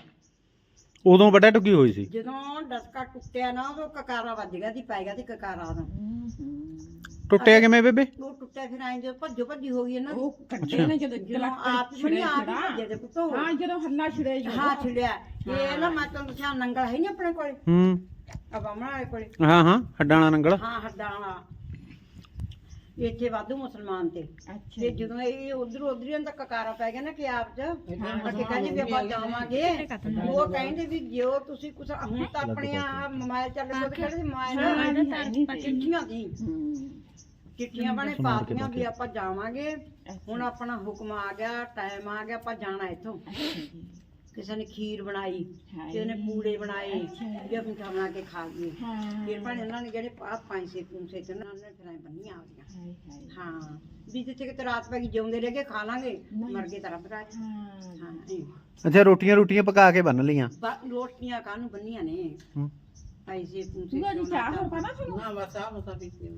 ਉਦੋਂ ਵੱਡਾ ਟੁੱਕੀ ਹੋਈ ਸੀ। ਜਦੋਂ ਡਸਕਾ ਟੁੱਟਿਆ ਨਾ ਉਹ ਕਕਾਰਾ ਵੱਜ ਗਿਆ ਸੀ, ਪੈ ਗਿਆ ਸੀ ਕਕਾਰਾ ਉਹਦਾ। ਟੁੱਟਿਆ ਕਿਵੇਂ ਬੇਬੇ? ਉਹ ਟੁੱਟਿਆ ਫਿਰ ਆਏ ਜਦੋਂ ਭੱਜੋ ਭੱਜੀ ਹੋ ਗਈ ਇਹਨਾਂ ਦੀ। ਉਹ ਕੱਢੇ ਨੇ ਜਦੋਂ ਜਦੋਂ ਆਪ ਬਣੀ ਆਪ ਹੀ ਭੱਜੇ ਤੇ ਪੁੱਤੋ। ਹਾਂ ਜਦੋਂ ਹੱਲਾ ਛੜਿਆ ਜੀ ਹਾਂ ਛਿੜਿਆ ਇਹ ਨਾ ਮੈਂ ਤੁਹਾਨੂੰ ਦੱਸਿਆ ਨੰਗਲ ਹੈ ਨਹੀਂ ਆਪਣੇ ਕੋਲੇ ਹੂੰ ਆ ਬਾਮਣਾ ਵਾਲੇ ਕੋਲੇ। ਹਾਂ ਹਾਂ ਹੱਡਾਂ ਵਾਲਾ ਨੰਗਲ। ਹਾਂ ਹੱਡਾਂ ਵਾਲਾ ਇੱਥੇ ਵਾਧੂ ਮੁਸਲਮਾਨ ਤੇ ਅੱਛਾ ਤੇ ਜੀ। ਜਦੋਂ ਇਹ ਉਧਰ ਉਧਰ ਹੀ ਤੱਕ ਕਕਾਰਾ ਪੈ ਗਿਆ ਨਾ ਕਿ ਆਪ ਚ ਅੱਗੇ ਕਹਿੰਦੇ ਵੀ ਆਪਾਂ ਜਾਵਾਂਗੇ ਉਹ ਕਹਿੰਦੇ ਵੀ ਜੋ ਤੁਸੀਂ ਕੁਛ ਹੁਣ ਤਾਂ ਆਪਣੇ ਆ ਮੋਬਾਈਲ ਚੱਲ ਪਏ ਕਹਿੰਦੇ ਮੋਬਾਈਲ ਚਿੱਠੀਆਂ ਦੀ ਹੂੰ। ਚਿੱਠੀਆਂ ਬਣੇ ਪਾਤੀਆਂ ਵੀ ਆਪਾਂ ਜਾਵਾਂਗੇ ਹੁਣ ਆਪਣਾ ਹੁਕਮ ਆ ਗਿਆ ਟਾਈਮ ਆ ਗਿਆ ਆਪਾਂ ਜਾਣਾ ਇੱਥੋਂ ਅੱਛਾ ਜੀ। ਕਿਸੇ ਨੇ ਖੀਰ ਬਣਾਈ ਹਾਏ। ਕਿਸੇ ਨੇ ਪੂੜੇ ਬਣਾਏ ਵੀ ਆਪਾਂ ਮਿੱਠਾ ਬਣਾ ਕੇ ਖਾ ਲਈਏ ਹਾਂ। ਫਿਰ ਭਾਣੇ ਉਹਨਾਂ ਨੇ ਜਿਹੜੇ ਪਾ ਪੰਜੇ ਪੂਸੇ ਤੇ ਉਹਨਾਂ ਨੇ ਫਿਰ ਐਂ ਬੰਨੀਆਂ ਆਉਂਦੀਆਂ ਹਾਏ ਹਾਏ। ਹਾਂ ਵੀ ਜਿੱਥੇ ਕਿਤੇ ਰਾਤ ਪੈ ਗਈ ਜਿਉਂਦੇ ਰਹਿ ਕੇ ਖਾ ਲਾਂਗੇ ਮਰ ਗਏ ਤਾਂ ਰੱਬ ਰਾਜ ਹਾਂ। ਹਾਂ ਇਹ। ਅੱਛਾ ਰੋਟੀਆਂ ਰੋਟੀਆਂ ਪਕਾ ਕੇ ਬੰਨ ਲਈਆਂ ਬਾ- ਰੋਟੀਆਂ ਕਾਹਨੂੰ ਬੰਨੀਆਂ ਨੇ ਹੂੰ। ਪੈਸੇ ਪੂਸੇ ਤੂੰ ਅੱਜ ਚਾਹ ਹੋਰ ਪਾਣਾ ਤੁਹਾਨੂੰ? ਨਾ ਬਸ ਆ ਬਸਾ ਪੀਤੀ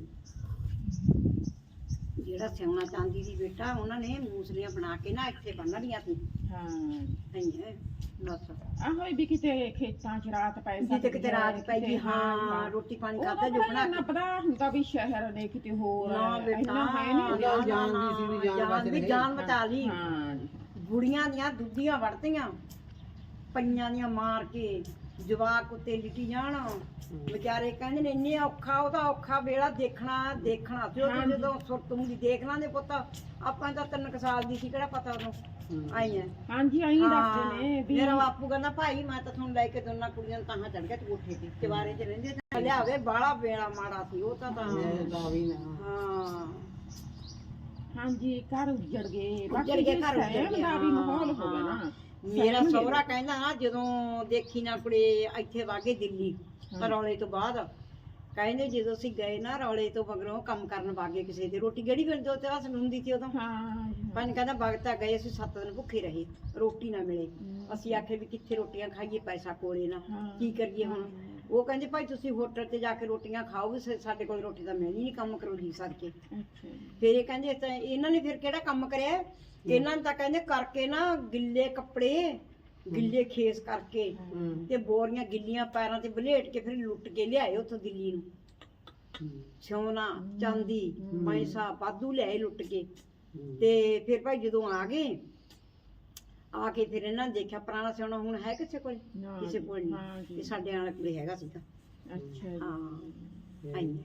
ਜਿਹੜਾ ਸਿਉਣਾ ਚਾਂਦੀ ਦੀ ਬੇਟਾ ਉਹਨਾਂ ਨੇ ਮੂਸਲੀਆਂ ਬਣਾ ਕੇ ਨਾ ਇੱਥੇ ਬੰਨ ਲਈਆਂ ਸੀ ਹਾਂ। ਨਹੀਂ ਹੈ ਬਸ ਆਹੋ ਵੀ ਕਿਤੇ ਖੇਤਾਂ 'ਚ ਰਾਤ ਪੈ ਸਕਦੀ ਜਿੱਥੇ ਕਿਤੇ ਰਾਤ ਪੈ ਗਈ ਕਿਤੇ ਹਾਂ ਰੋਟੀ ਪਾਣੀ ਉਹਦਾ ਖਾਧਾ ਜੋ ਬਣਾ ਨਾ ਕੇ ਪਤਾ ਹੁੰਦਾ ਵੀ ਸ਼ਹਿਰ ਨੇ ਕਿਤੇ ਹੋਰ ਨਾ ਬੇਟਾ ਇੰਨਾ ਹੈ ਨਹੀਂ। ਨਾ, ਜਾਨ ਦੀ ਸੀ ਵੀ ਜਾਨ ਜਾਨ ਬਚ ਵੀ ਰਹੀ। ਜਾਨ ਬਚਾ ਲਈ ਹਾਂ ਜੀ। ਬੁੜੀਆਂ ਦੀਆਂ ਦੁੱਧੀਆਂ ਵੜਦੀਆਂ ਪਈਆਂ ਦੀਆਂ ਮਾਰ ਕੇ ਜਵਾਕ ਉੱਤੇ ਲਿਟੀ ਜਾਣ ਵਿਚਾਰੇ ਕਹਿੰਦੇ ਨੇ ਇੰਨੇ ਔਖਾ ਉਹਦਾ ਔਖਾ ਵੇਲਾ ਦੇਖਣਾ ਦੇਖਣਾ ਤੇ ਉਹ ਜਦੋਂ ਸੁਰਤੂੰਗੀ ਦੇਖ ਲਾਂਦੇ ਪੁੱਤ ਆਪਾਂ ਤਾਂ ਤਿੰਨ ਕੁ ਸਾਲ ਦੀ ਸੀ ਕਿਹੜਾ ਪਤਾ ਉਦੋਂ ਆਈ ਐ ਹਾਂਜੀ ਆਈ ਦੱਸਦੇ ਨੇ ਵੀ ਮੇਰਾ ਬਾਪੂ ਕਹਿੰਦਾ ਭਾਈ ਮੈਂ ਤਾਂ ਤੁਹਾਨੂੰ ਲੈ ਕੇ ਦੋਨਾਂ ਕੁੜੀਆਂ ਨੂੰ ਤਾਹਾਂ ਚੜ ਗਿਆ ਤੂੰ ਉੱਠੇ ਤੇ ਚਵਾਰੇ 'ਚ ਰਹਿੰਦੇ ਤੇ ਲਿਆਵੇ ਬਾਹਲਾ ਵੇਲਾ ਮਾੜਾ ਸੀ ਉਹ ਤਾਂ ਤਾਂ ਦਾ ਵੀ ਨਾ ਹਾਂ ਹਾਂਜੀ ਘਰ ਉੱਜੜ ਗਏ ਉੱਜੜ ਗਏ, ਘਰ ਉੱਜੜ ਸਹਿਮ ਗਏ, ਦਾ ਵੀ ਮਾਹੌਲ ਹਾਂ, ਹੋ ਗਿਆ ਨਾ। ਮੇਰਾ ਸਹਿਮ ਸਹੁਰਾ ਕਹਿੰਦਾ ਨਾ ਜਦੋਂ ਦੇਖੀ ਨਾ ਕੁੜੇ ਇੱਥੇ ਵਾਗੇ ਦਿੱਲੀ ਰੌਲੇ ਤੋਂ ਬਾਅਦ ਕਹਿੰਦੇ ਜਦੋਂ ਅਸੀਂ ਗਏ ਨਾ ਰੌਲੇ ਤੋਂ ਮਗਰੋਂ ਕੰਮ ਕਰਨ ਵਾਗੇ ਕਿਸੇ ਦੇ ਰੋਟੀ ਗੜੀ ਬਿੰਦ ਦੋ ਤੇ ਹੱਸ ਹੁੰਦੀ ਸੀ ਉਦੋਂ ਹਾਂ ਜੀ, ਪੰਜ ਕਹਿੰਦਾ ਵਗਤਾ ਗਏ ਅਸੀਂ ਸੱਤ ਦਿਨ ਭੁੱਖੇ ਰਹੇ ਰੋਟੀ ਨਾ ਮਿਲੇ ਅਸੀਂ ਆਖੇ ਵੀ ਕਿੱਥੇ ਰੋਟੀਆਂ ਖਾਈਏ ਪੈਸਾ ਕੋਲੇ ਨਾ ਹਾਂ। ਕੀ ਕਰੀਏ ਹੁਣ ਉਹ ਕਹਿੰਦੇ ਭਾਈ ਤੁਸੀਂ ਹੋਟਲ ਤੇ ਜਾ ਕੇ ਰੋਟੀਆਂ ਖਾਓ ਵੀ ਸਾ- ਸਾਡੇ ਕੋਲ ਰੋਟੀ ਤਾਂ ਮਿਲਣੀ ਨਹੀਂ ਕੰਮ ਕਰੋ ਜੀ ਸਦਕੇ ਅੱਛਾ ਜੀ। ਫਿਰ ਇਹ ਕਹਿੰਦੇ ਤਾਂ ਇਹਨਾਂ ਨੇ ਫਿਰ ਕਿਹੜਾ ਕੰਮ ਕਰਿਆ ਇਹਨਾਂ ਨੇ ਤਾਂ ਕਹਿੰਦੇ ਕਰਕੇ ਨਾ ਗਿੱਲੇ ਕੱਪੜੇ ਗਿੱਲੇ ਖੇਸ ਕਰਕੇ ਤੇ ਬੋਰੀਆਂ ਗਿੱਲੀਆਂ ਪੈਰਾਂ ਤੇ ਬਲੇਟ ਕੇ ਫਿਰ ਲੁੱਟ ਕੇ ਲਿਆਏ ਉੱਥੋਂ ਦਿੱਲੀ ਨੂੰ ਸੋਨਾ ਚਾਂਦੀ ਪੈਸਾ ਵਾਧੂ ਲਿਆਏ ਲੁੱਟ ਕੇ ਤੇ ਫਿਰ ਭਾਈ ਜਦੋਂ ਆ ਗਏ ਆ ਕੇ ਫਿਰ ਇਹਨਾਂ ਨੇ ਦੇਖਿਆ ਪੁਰਾਣਾ ਸੋਨਾ ਹੁਣ ਹੈ ਕਿਸੇ ਕੋਲ ਨਾ ਕਿਸੇ ਜੀ, ਕੋਲ ਹਾਂ ਨਹੀਂ ਜੀ। ਤੇ ਸਾਡੇ ਵਾਲੇ ਕੋਲੇ ਹੈਗਾ ਸੀਗਾ ਅੱਛਾ ਜੀ। ਹਾਂ ਆਈ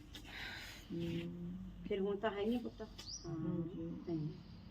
ਫਿਰ ਹੁਣ ਤਾਂ ਹੈ ਨਹੀਂ ਪੁੱਤ ਹਾਂ ਆਈ।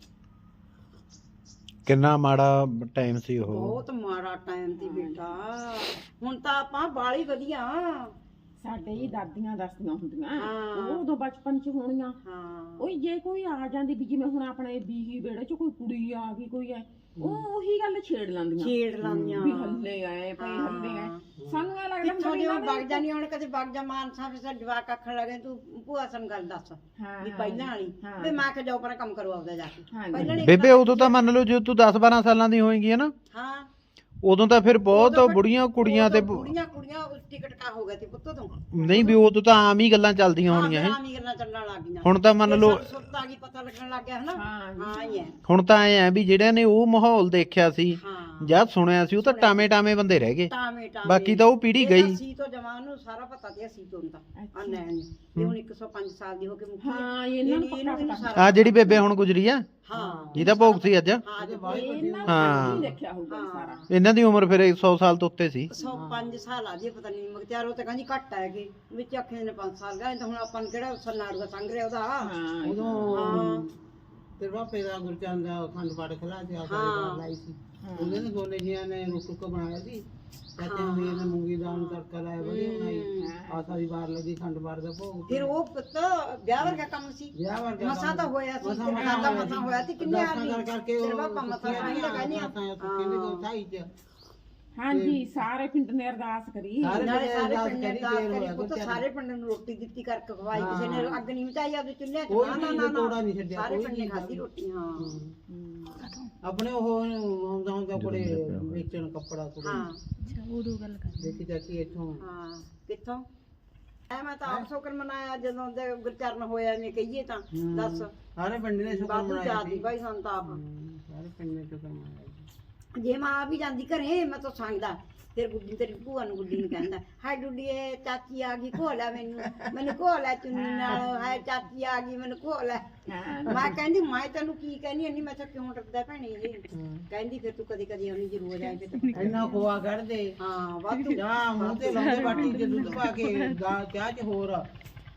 ਕਿੰਨਾ ਮਾੜਾ ਟਾਈਮ ਸੀ ਉਹ ਬਹੁਤ ਮਾੜਾ ਟਾਈਮ ਸੀ ਬੇਟਾ ਹੁਣ ਤਾਂ ਆਪਾਂ ਬਾਲੀ ਵਧੀਆ ਸਾਡੇ ਹੀ ਦਾਦੀਆਂ ਦੱਸਦੀਆਂ ਹੁੰਦੀਆਂ ਹਾਂ। ਉਹ ਉਦੋਂ ਬਚਪਨ 'ਚ ਹੋਣੀਆਂ ਹਾਂ ਉਹ ਜੇ ਕੋਈ ਆ ਜਾਂਦੀ ਵੀ ਜਿਵੇਂ ਹੁਣ ਆਪਣੇ ਬੀਹੀ ਵਿਹੜੇ 'ਚ ਕੋਈ ਕੁੜੀ ਆ ਗਈ ਕੋਈ ਐ ਉਹ ਉਹੀ ਗੱਲ ਛੇੜ ਲੈਂਦੀਆਂ ਛੇੜ ਲਾਂਦੀਆਂ ਵੀ ਹੱਲੇ ਆਏ ਭਈ ਹੱਲੇ ਆਏ ਸਾਨੂੰ ਐ ਲੱਗਦਾ ਕਿੱਥੋਂ ਹੁੰਦਾ ਵੀ ਜਿਵੇਂ ਇਹਨਾਂ ਵਗ ਦੇ- ਜਾਨੀ ਹੁਣ ਕਦੇ ਵਗ ਜਾ ਮਾਨਸਾ ਫਿਰ ਸਾਡੇ ਜਵਾਕ ਆਖਣ ਲੱਗੇ ਤੂੰ ਭੂਆ ਸਾਨੂੰ ਗੱਲ ਦੱਸ ਹਾਂ, ਵੀ ਪਹਿਲਾਂ ਵਾਲੀ ਹਾਂ। ਵੀ ਮੈਂ ਕਿ ਜਾਓ ਪਰ ਕੰਮ ਕਰੋ ਆਪਦਾ ਜਾ ਕੇ ਹਾਂਜੀ। ਪਹਿਲਾਂ ਨੀ ਬੇਬੇ ਉਦੋਂ ਤਾਂ ਮੰਨ ਲਓ ਜੇ ਤੂੰ ਦਸ ਬਾਰਾਂ ਸਾਲਾਂ ਦੀ ਹੋਏਗੀ ਹੈ ਨਾ ਹਾਂ ਉਦੋਂ ਤਾਂ ਫਿਰ ਬਹੁਤ ਉਦੋਂ ਫਿਰ- ਬੁੜੀਆਂ ਕੁੜੀਆਂ ਤੇ ਉਦੋਂ ਬੁੜੀਆਂ ਕੁੜੀਆਂ ਟਿਕਟ ਕਾ ਹੋ ਗਿਆ ਸੀ ਪੁੱਤ ਤੋਂ ਨਹੀਂ ਵੀ ਉਦੋਂ ਤਾਂ ਆਮ ਹੀ ਗੱਲਾਂ ਚੱਲਦੀਆਂ ਹੋਣੀਆਂ ਹੈ ਆਮੀ ਗੱਲਾਂ ਚੱਲਣ ਲੱਗ ਗਈਆਂ ਹੁਣ ਤਾਂ ਮੰਨ ਲਓ ਸੁਰਤ ਆ ਗਈ ਪਤਾ ਲੱਗਣ ਲੱਗ ਗਿਆ ਹਨਾ ਹਾਂ ਜੀ। ਹਾਂ ਹੀ ਹੈ ਹੁਣ ਤਾਂ ਐ ਆ ਵੀ ਜਿਹੜਿਆਂ ਨੇ ਉਹ ਮਾਹੌਲ ਦੇਖਿਆ ਸੀ ਹਾਂ ਜਾਂ ਸੁਣਿਆ ਸੀ ਉਹ ਤਾਂ ਟਾਵੇਂ ਟਾਵੇਂ ਬੰਦੇ ਰਹਿ ਗਏ ਟਾਵੇਂ ਟਾਵੇਂ ਬਾਕੀ ਤਾਂ ਉਹ ਪੀੜ੍ਹੀ ਇਹ ਗਈ। ਤਾਂ ਸੀ ਤੋਂ ਜਵਾਨ ਨੂੰ ਸਾਰਾ ਪਤਾ ਤੇ ਸੀ ਤੋਂ ਤਾਂ ਆ ਨੈਣ ਨੂੰ। ਇਹ ਹੁਣ ਇੱਕ ਸੌ ਪੰਜ ਸਾਲ ਦੀ ਹੋ ਕੇ ਮੁੱਕੀ ਹਾਂ ਇਹਨਾਂ ਨੂੰ ਪੱਕਾ ਪਤਾ ਸਾਰਾ ਆ ਜਿਹੜੀ ਬੇਬੇ ਹੁਣ ਗੁਜਰੀ ਆ ਹਾਂ ਜਿਹਦਾ ਭੋਗ ਸੀ ਅੱਜ ਹਾਂ ਜੀ ਇਹਨਾਂ ਹਾਂ। ਨੂੰ ਦੇਖਿਆ ਹੋਊਗਾ ਸਾਰਾ ਇਹਨਾਂ ਦੀ ਉਮਰ ਫਿਰ ਸੌ ਸਾਲ ਤੋਂ ਉੱਤੇ ਸੀ ਸੌ ਪੰਜ ਸਾਲ ਆ ਜੀ ਪਤਾ ਨਹੀਂ ਮਗਤਿਆਰ ਉਹ ਤਾਂ ਕਹਿੰਦੀ ਘੱਟ ਹੈਗੇ ਵਿੱਚ ਆਖੇ ਨੇ ਪੰਜ ਸਾਲ ਗਏ ਤਾਂ ਹੁਣ ਆਪਾਂ ਨੂੰ ਕਿਹੜਾ ਸਨਾੜੂਗਾ ਸੰਗ ਰਿਹਾ ਉਹਦਾ ਹਾਂ ਉਦੋਂ ਹਾਂ ਤੇਰੇ ਬਾਪੇ ਦਾ ਗੁਰਚੰਦ ਦਾ ਅਖੰਡ ਪਾਠ ਖਲਾ ਤੇ ਆਪਾਂ ਹਾਂ। ਲਾਈ ਸੀ ਉਹਨੇ ਨੇ ਦੋਨੇ ਜੀਆਂ ਨੇ ਰੁਕ ਰੁਕ ਬਣਾਇਆ ਸੀ ਚਾਚੇ ਵੀ ਇਹਨੇ ਮੂੰਗੀ ਦਾਲ ਨੂੰ ਤੜਕਾ ਲਾਇਆ ਵਧੀਆ ਬਣਾਈ ਆ ਸਾਰੀ ਵਾਰ ਲੱਗੀ ਖੰਡ ਪਾਠ ਦਾ ਭੋਗ ਫਿਰ ਉਹ ਪੁੱਤ ਵਿਆਹ ਵਰਗਾ ਕੰਮ ਸੀ ਵਿਆਹ ਵਰਗਾ ਮਸਾ ਤਾਂ ਹੋਇਆ ਸੀ ਮਸਾਂ ਤੇਰੇ ਮਸਾਂ ਦਾ ਹੋਇਆ ਮਸਾ ਸੀ। ਹੋਇਆ ਸੀ ਕਿੰਨੇ ਅਰਦਾਸਾਂ ਆਦਮੀ ਕਰ ਕਰਕੇ ਤੇਰੇ ਬਾਪਾ ਮਸਾ ਖਾਈ ਤਾਂ ਕਹਿੰਦੇ ਆ ਹਾਂ ਹਾਂਜੀ ਸਾਰੇ ਪਿੰਡ ਨੇ ਅਰਦਾਸ ਕਰੀ ਸਾਰੇ ਨਾਲੇ ਸਾਰੇ ਅਰਦਾਸ ਪਿੰਡ ਨੇ ਕਰੀ, ਅਰਦਾਸ ਦੇਰ ਕਰੀ ਹੋਇਆ ਪੁੱਤ ਬੱਚਿਆਂ ਸਾਰੇ ਪਿੰਡ ਨੂੰ ਰੋਟੀ ਦਿੱਤੀ ਕਰਕੇ ਖਵਾਈ ਹਾਂ। ਕਿਸੇ ਨੇ ਅੱਗ ਨਹੀਂ ਮਚਾਈ ਆਪਦੇ ਚੁੱਲ੍ਹੇ 'ਚ ਕੋਈ ਨਾ ਨਾ ਵੀ ਨਾ ਤੋੜਾ ਨਹੀਂ ਛੱਡਿਆ, ਸਾਰੇ ਕੋਈ ਪਿੰਡ ਨੇ ਵੀ ਖਾਧੀ ਰੋਟੀ ਹਾਂ ਆਪਣੇ ਉਹ ਆਉਂਦਾ ਹੁੰਦਾ ਕੋਲੇ ਵੇਚਣ ਕੱਪੜਾ ਕੋਲੇ ਹਾਂ ਦੇਖੀ ਚਾਚੀ ਇੱਥੋਂ ਹਾਂ ਕਿੱਥੋਂ ਐ ਮੈਂ ਤਾਂ ਆਪ ਸ਼ੁਕਰ ਮਨਾਇਆ ਜਦੋਂ ਦੇ ਗੁਰਚਰਨ ਹੋਇਆ ਨੇ ਕਹੀਏ ਤਾਂ ਦੱਸ ਸਾਰੇ ਪਿੰਡ ਨੇ ਸ਼ੁਕਰ ਬਾਬੂ ਮਨਾਇਆ ਜਾਦੀ ਸੀ ਭਾਈ ਸਾਨੂੰ ਤਾਂ ਆਪ ਹਮ, ਸਾਰੇ ਪਿੰਡ ਨੇ ਸ਼ੁਕਰ ਮਨਾਇਆ ਸੀ। ਜੇ ਮਾਂ ਆ ਵੀ ਜਾਂਦੀ ਘਰੇ ਮੈਂ ਤਾਂ ਸੰਗਦਾ ਫਿਰ ਗੁੱਡੀ ਤੇਰੀ ਭੂਆ ਨੂੰ ਗੁੱਡੀ ਨੂੰ ਕਹਿੰਦਾ ਹਾਏ ਡੁੱਡੀਏ ਚਾਚੀ ਆ ਗਈ ਘੋ ਲੈ ਮੈਨੂੰ ਮੈਨੂੰ ਘੋ ਲੈ ਚੁੰਨੀ ਨਾਲ ਹਾਏ ਚਾਚੀ ਆ ਗਈ ਮੈਨੂੰ ਘੋ ਲੈ ਮੈਂ ਕਹਿੰਦੀ ਮੈਂ ਤੈਨੂੰ ਕੀ ਕਹਿੰਦੀ ਨਹੀਂ ਮੈਂ ਤਾਂ ਕਿਉਂ ਡਰਦਾ ਭੈਣੇ ਇਹ ਕਹਿੰਦੀ ਫਿਰ ਤੂੰ ਕਦੀ ਕਦੀ ਆਉਣੀ ਜ਼ਰੂਰ ਆਏ ਫਿਰ ਤਾਂ ਇੰਨਾ ਖੋਆ ਕੱਢਦੇ ਹਾਂ ਵਾਧੂ ਜਾਂ ਮੂੰਹ ਤੇ ਲਾਉਂਦੇ ਬਾਟੀ ਚ ਦੁੱਧ ਪਾ ਕੇ ਗਾ- ਚਾਹ ਚ ਹੋਰ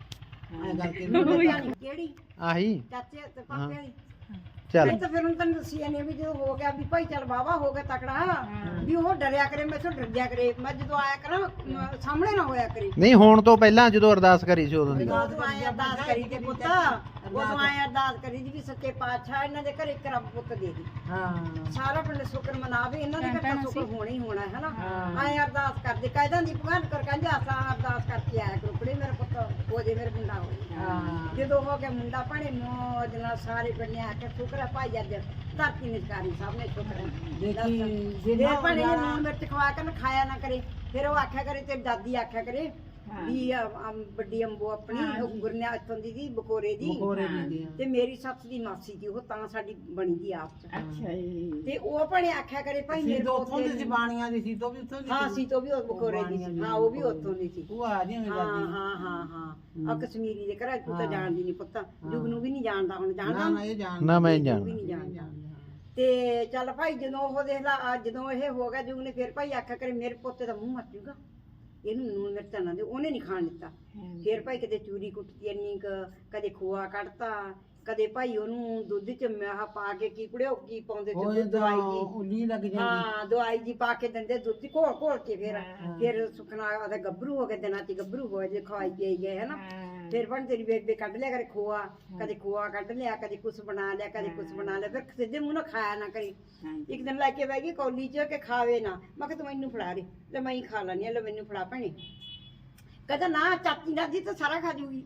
ਐ ਕਰਕੇ ਕਿਹੜੀ ਆਹੀ ਚਾਚੇ ਤੇ ਪਾਪੇ ਵਾਲੀ ਚੱਲ ਇਹ ਤਾਂ ਫਿਰ ਹੁਣ ਤੈਨੂੰ ਦੱਸੀ ਜਾਂਦੀ ਵੀ ਜਦੋਂ ਹੋ ਗਿਆ ਵੀ ਭਾਈ ਚੱਲ ਬਾਵਾ ਹੋ ਗਿਆ ਤਕੜਾ ਵੀ ਉਹ ਡਰਿਆ ਕਰੇ ਮੈਂ ਤੋਂ ਡਰ ਜਾ ਕਰੇ ਮੈਂ ਜਦੋਂ ਆਇਆ ਕਰਾਂ ਮ- ਸਾਹਮਣੇ ਨਾ ਹੋਇਆ ਕਰੇ ਨਹੀਂ ਹੋਣ ਤੋਂ ਪਹਿਲਾਂ ਜਦੋਂ ਅਰਦਾਸ ਕਰੀ ਸੀ ਉਦੋਂ ਦੀ ਉਦੋਂ ਆਏ ਅਰਦਾਸ ਕਰੀ ਤੇ ਪੁੱਤ ਉਦੋਂ ਆਏ ਅਰਦਾਸ ਕਰੀ ਜੀ ਵੀ ਸੱਚੇ ਪਾਤਸ਼ਾਹ ਇਹਨਾਂ ਦੇ ਘਰੇ ਇੱਕ ਰੱਬ ਪੁੱਤ ਦੇ ਦੇ ਹਾਂ ਸਾਰਾ ਪਿੰਡ ਸ਼ੁਕਰ ਮਨਾਵੇ ਇਹਨਾਂ ਦੇ ਘਰ ਤਾਂ ਸ਼ੁਕਰ ਹੋਣਾ ਹੀ ਹੋਣਾ ਹੈ ਨਾ ਆਏ ਅਰਦਾਸ ਕਰਦੇ ਕਾਇਦਾਂ ਦੀ ਭਗਵਾਨ ਕਰ ਕਹਿੰਦੇ ਆਸਾ ਅਰਦਾਸ ਕਰਕੇ ਆਇਆ ਕਰੋ ਕੁੜੇ ਮੇਰੇ ਪੁੱਤ ਹੋ ਜੇ ਮੇਰੇ ਮੁੰਡਾ ਹੋ ਜੇ ਹਾਂ ਜਦੋਂ ਹੋ ਗਿਆ ਮੁੰਡਾ ਭਾਣੇ ਮੌਜ ਨਾਲ ਸਾਰੇ ਪਿੰਡ ਨੇ ਆ ਕੇ ਸ਼ੁਕਰ ਹੈ ਭਾਈ ਅੱਜ ਧਰਤੀ ਨਿਸ਼ਕਾਰੀ ਸਭ ਨੇ ਸ਼ੁਕਰ ਹੈ ਦੇਖੀ ਜੇ ਜਿਹਨਾਂ ਭਾਣੇ ਇਹ ਲੂਣ ਮਿਰਚ ਖਵਾ ਕੇ ਨਾ ਖਾਇਆ ਨਾ ਕਰੇ ਫਿਰ ਉਹ ਆਖਿਆ ਕਰੇ ਤੇ ਦਾਦੀ ਆਖਿਆ ਕਰੇ ਵੀ ਆ- ਆ ਵੱਡੀ ਅੰਬੋ ਆਪਣੀ ਉਹ ਗੁਰਨਿਆ ਇੱਥੋਂ ਦੀ ਦੀ ਬਕੋਰੇ ਦੀ ਬਕੋਰੇ ਦੀ ਤੇ ਮੇਰੀ ਸੱਸ ਦੀ ਮਾਸੀ ਦੀ ਉਹ ਤਾਂ ਸਾਡੀ ਬਣੀ ਦੀ ਆਪ ਚ ਅੱਛਾ ਜੀ ਤੇ ਉਹ ਭਾਣੇ ਆਖਿਆ ਕਰੇ ਭਾਈ ਸੀ ਮੇਰੇ ਤੋਂ ਉੱਥੋਂ ਪੋਤੇ ਦੀ ਸੀ ਬਾਣੀਆਂ ਦੀ ਸੀ ਤੋਂ ਵੀ ਉੱਥੋਂ ਦੀ ਹਾਂ ਸੀ ਸੀ ਤੋਂ ਵੀ ਉਹ ਬਕੋਰੇ ਦੀ ਸੀ ਹਾਂ ਉਹ ਵੀ ਉੱਥੋਂ ਦੀ ਸੀ ਉਹ ਆ ਜੀ ਮੇਰੀ ਹਾਂ ਦਾਦੀ ਹਾਂ ਹਾਂ ਹਾਂ ਆ ਕਸ਼ਮੀਰੀ ਦੇ ਘਰ ਤੂੰ ਤਾਂ ਹਾਂ। ਜਾਣਦੀ ਨਹੀਂ ਪੁੱਤ ਜੁਗ ਨੂੰ ਵੀ ਨਹੀਂ ਜਾਣਦਾ ਹੁਣ ਨਾ ਜਾਣਦਾ ਨਾ ਇਹ ਜਾਣ ਨਾ ਮੈਂ ਜੁਗ ਜਾਣ ਵੀ ਨਹੀਂ ਜਾਣਦਾ ਤੇ ਚੱਲ ਭਾਈ ਜਦੋਂ ਉਹ ਦੇਖ ਲਾ ਆ ਜਦੋਂ ਇਹ ਹੋ ਗਿਆ ਜੁਗ ਨੇ ਫਿਰ ਭਾਈ ਆਖਿਆ ਕਰੇ ਮੇਰੇ ਪੋਤੇ ਦਾ ਮੂੰਹ ਮਰ ਜੂਗਾ ਇਹਨੂੰ ਨੂਨ ਮਿਰਚਾਂ ਨਾ ਦੇ ਉਹਨੇ ਨਹੀਂ ਖਾਣ ਦਿੱਤਾ ਫਿਰ ਭਾਈ ਕਦੇ ਚੂਰੀ ਕੁੱਟਤੀ ਇੰਨੀ ਕੁ ਕਦੇ ਖੋਆ ਕੱਢਤਾ ਕਦੇ ਭਾਈ ਉਹਨੂੰ ਦੁੱਧ ਚ ਮਿਆਹ ਪਾ ਕੇ ਕੀ ਕੁੜਿਓ ਕੀ ਪਾਉਂਦੇ ਉਹ ਤੇ ਦਵਾਈ ਜੀ ਉੱਲੀ ਲੱਗ ਜਾਂਦੀ ਹਾਂ ਦਵਾਈ ਜੀ ਪਾ ਕੇ ਦਿੰਦੇ ਦੁੱਧ ਘੋਲ ਘੋਲ ਕੇ ਫਿਰ ਫਿਰ ਸੁਖਨਾ ਉਹਦਾ ਗੱਭਰੂ ਹੋ ਕੇ ਦਿਨਾਂ ਚ ਗੱਭਰੂ ਹੋ ਜੇ ਖਵਾਈ ਪਈ ਗਏ ਹਨਾ ਫਿਰ ਬਣ ਤੇਰੀ ਬੇਬੇ ਕੱਢ ਲਿਆ ਕਰੇ ਖੋਆ ਕਦੇ ਖੋਆ ਕੱਢ ਲਿਆ ਕਦੇ ਕੁਛ ਬਣਾ ਲਿਆ ਕਦੇ ਕੁਛ ਬਣਾ ਲਿਆ ਫਿਰ ਸਿੱਧੇ ਮੂੰਹ ਨਾਲ ਖਾਇਆ ਨਾ ਕਰੀ ਇੱਕ ਦਿਨ ਲੈ ਕੇ ਬਹਿ ਗਈ ਕੌਲੀ ਚ ਕਿ ਖਾਵੇ ਨਾ ਮੈਂ ਕਿਹਾ ਤੂੰ ਮੈਨੂੰ ਫੜਾ ਦੇ ਲੈ ਮੈਂ ਹੀ ਖਾ ਲੈਣੀ ਲੈ ਮੈਨੂੰ ਫੜਾ ਭੈਣੇ ਕਹਿੰਦਾ ਨਾ ਚਾਚੀ ਦਾਦੀ ਤਾਂ ਸਾਰਾ ਖਾ ਜੂਗੀ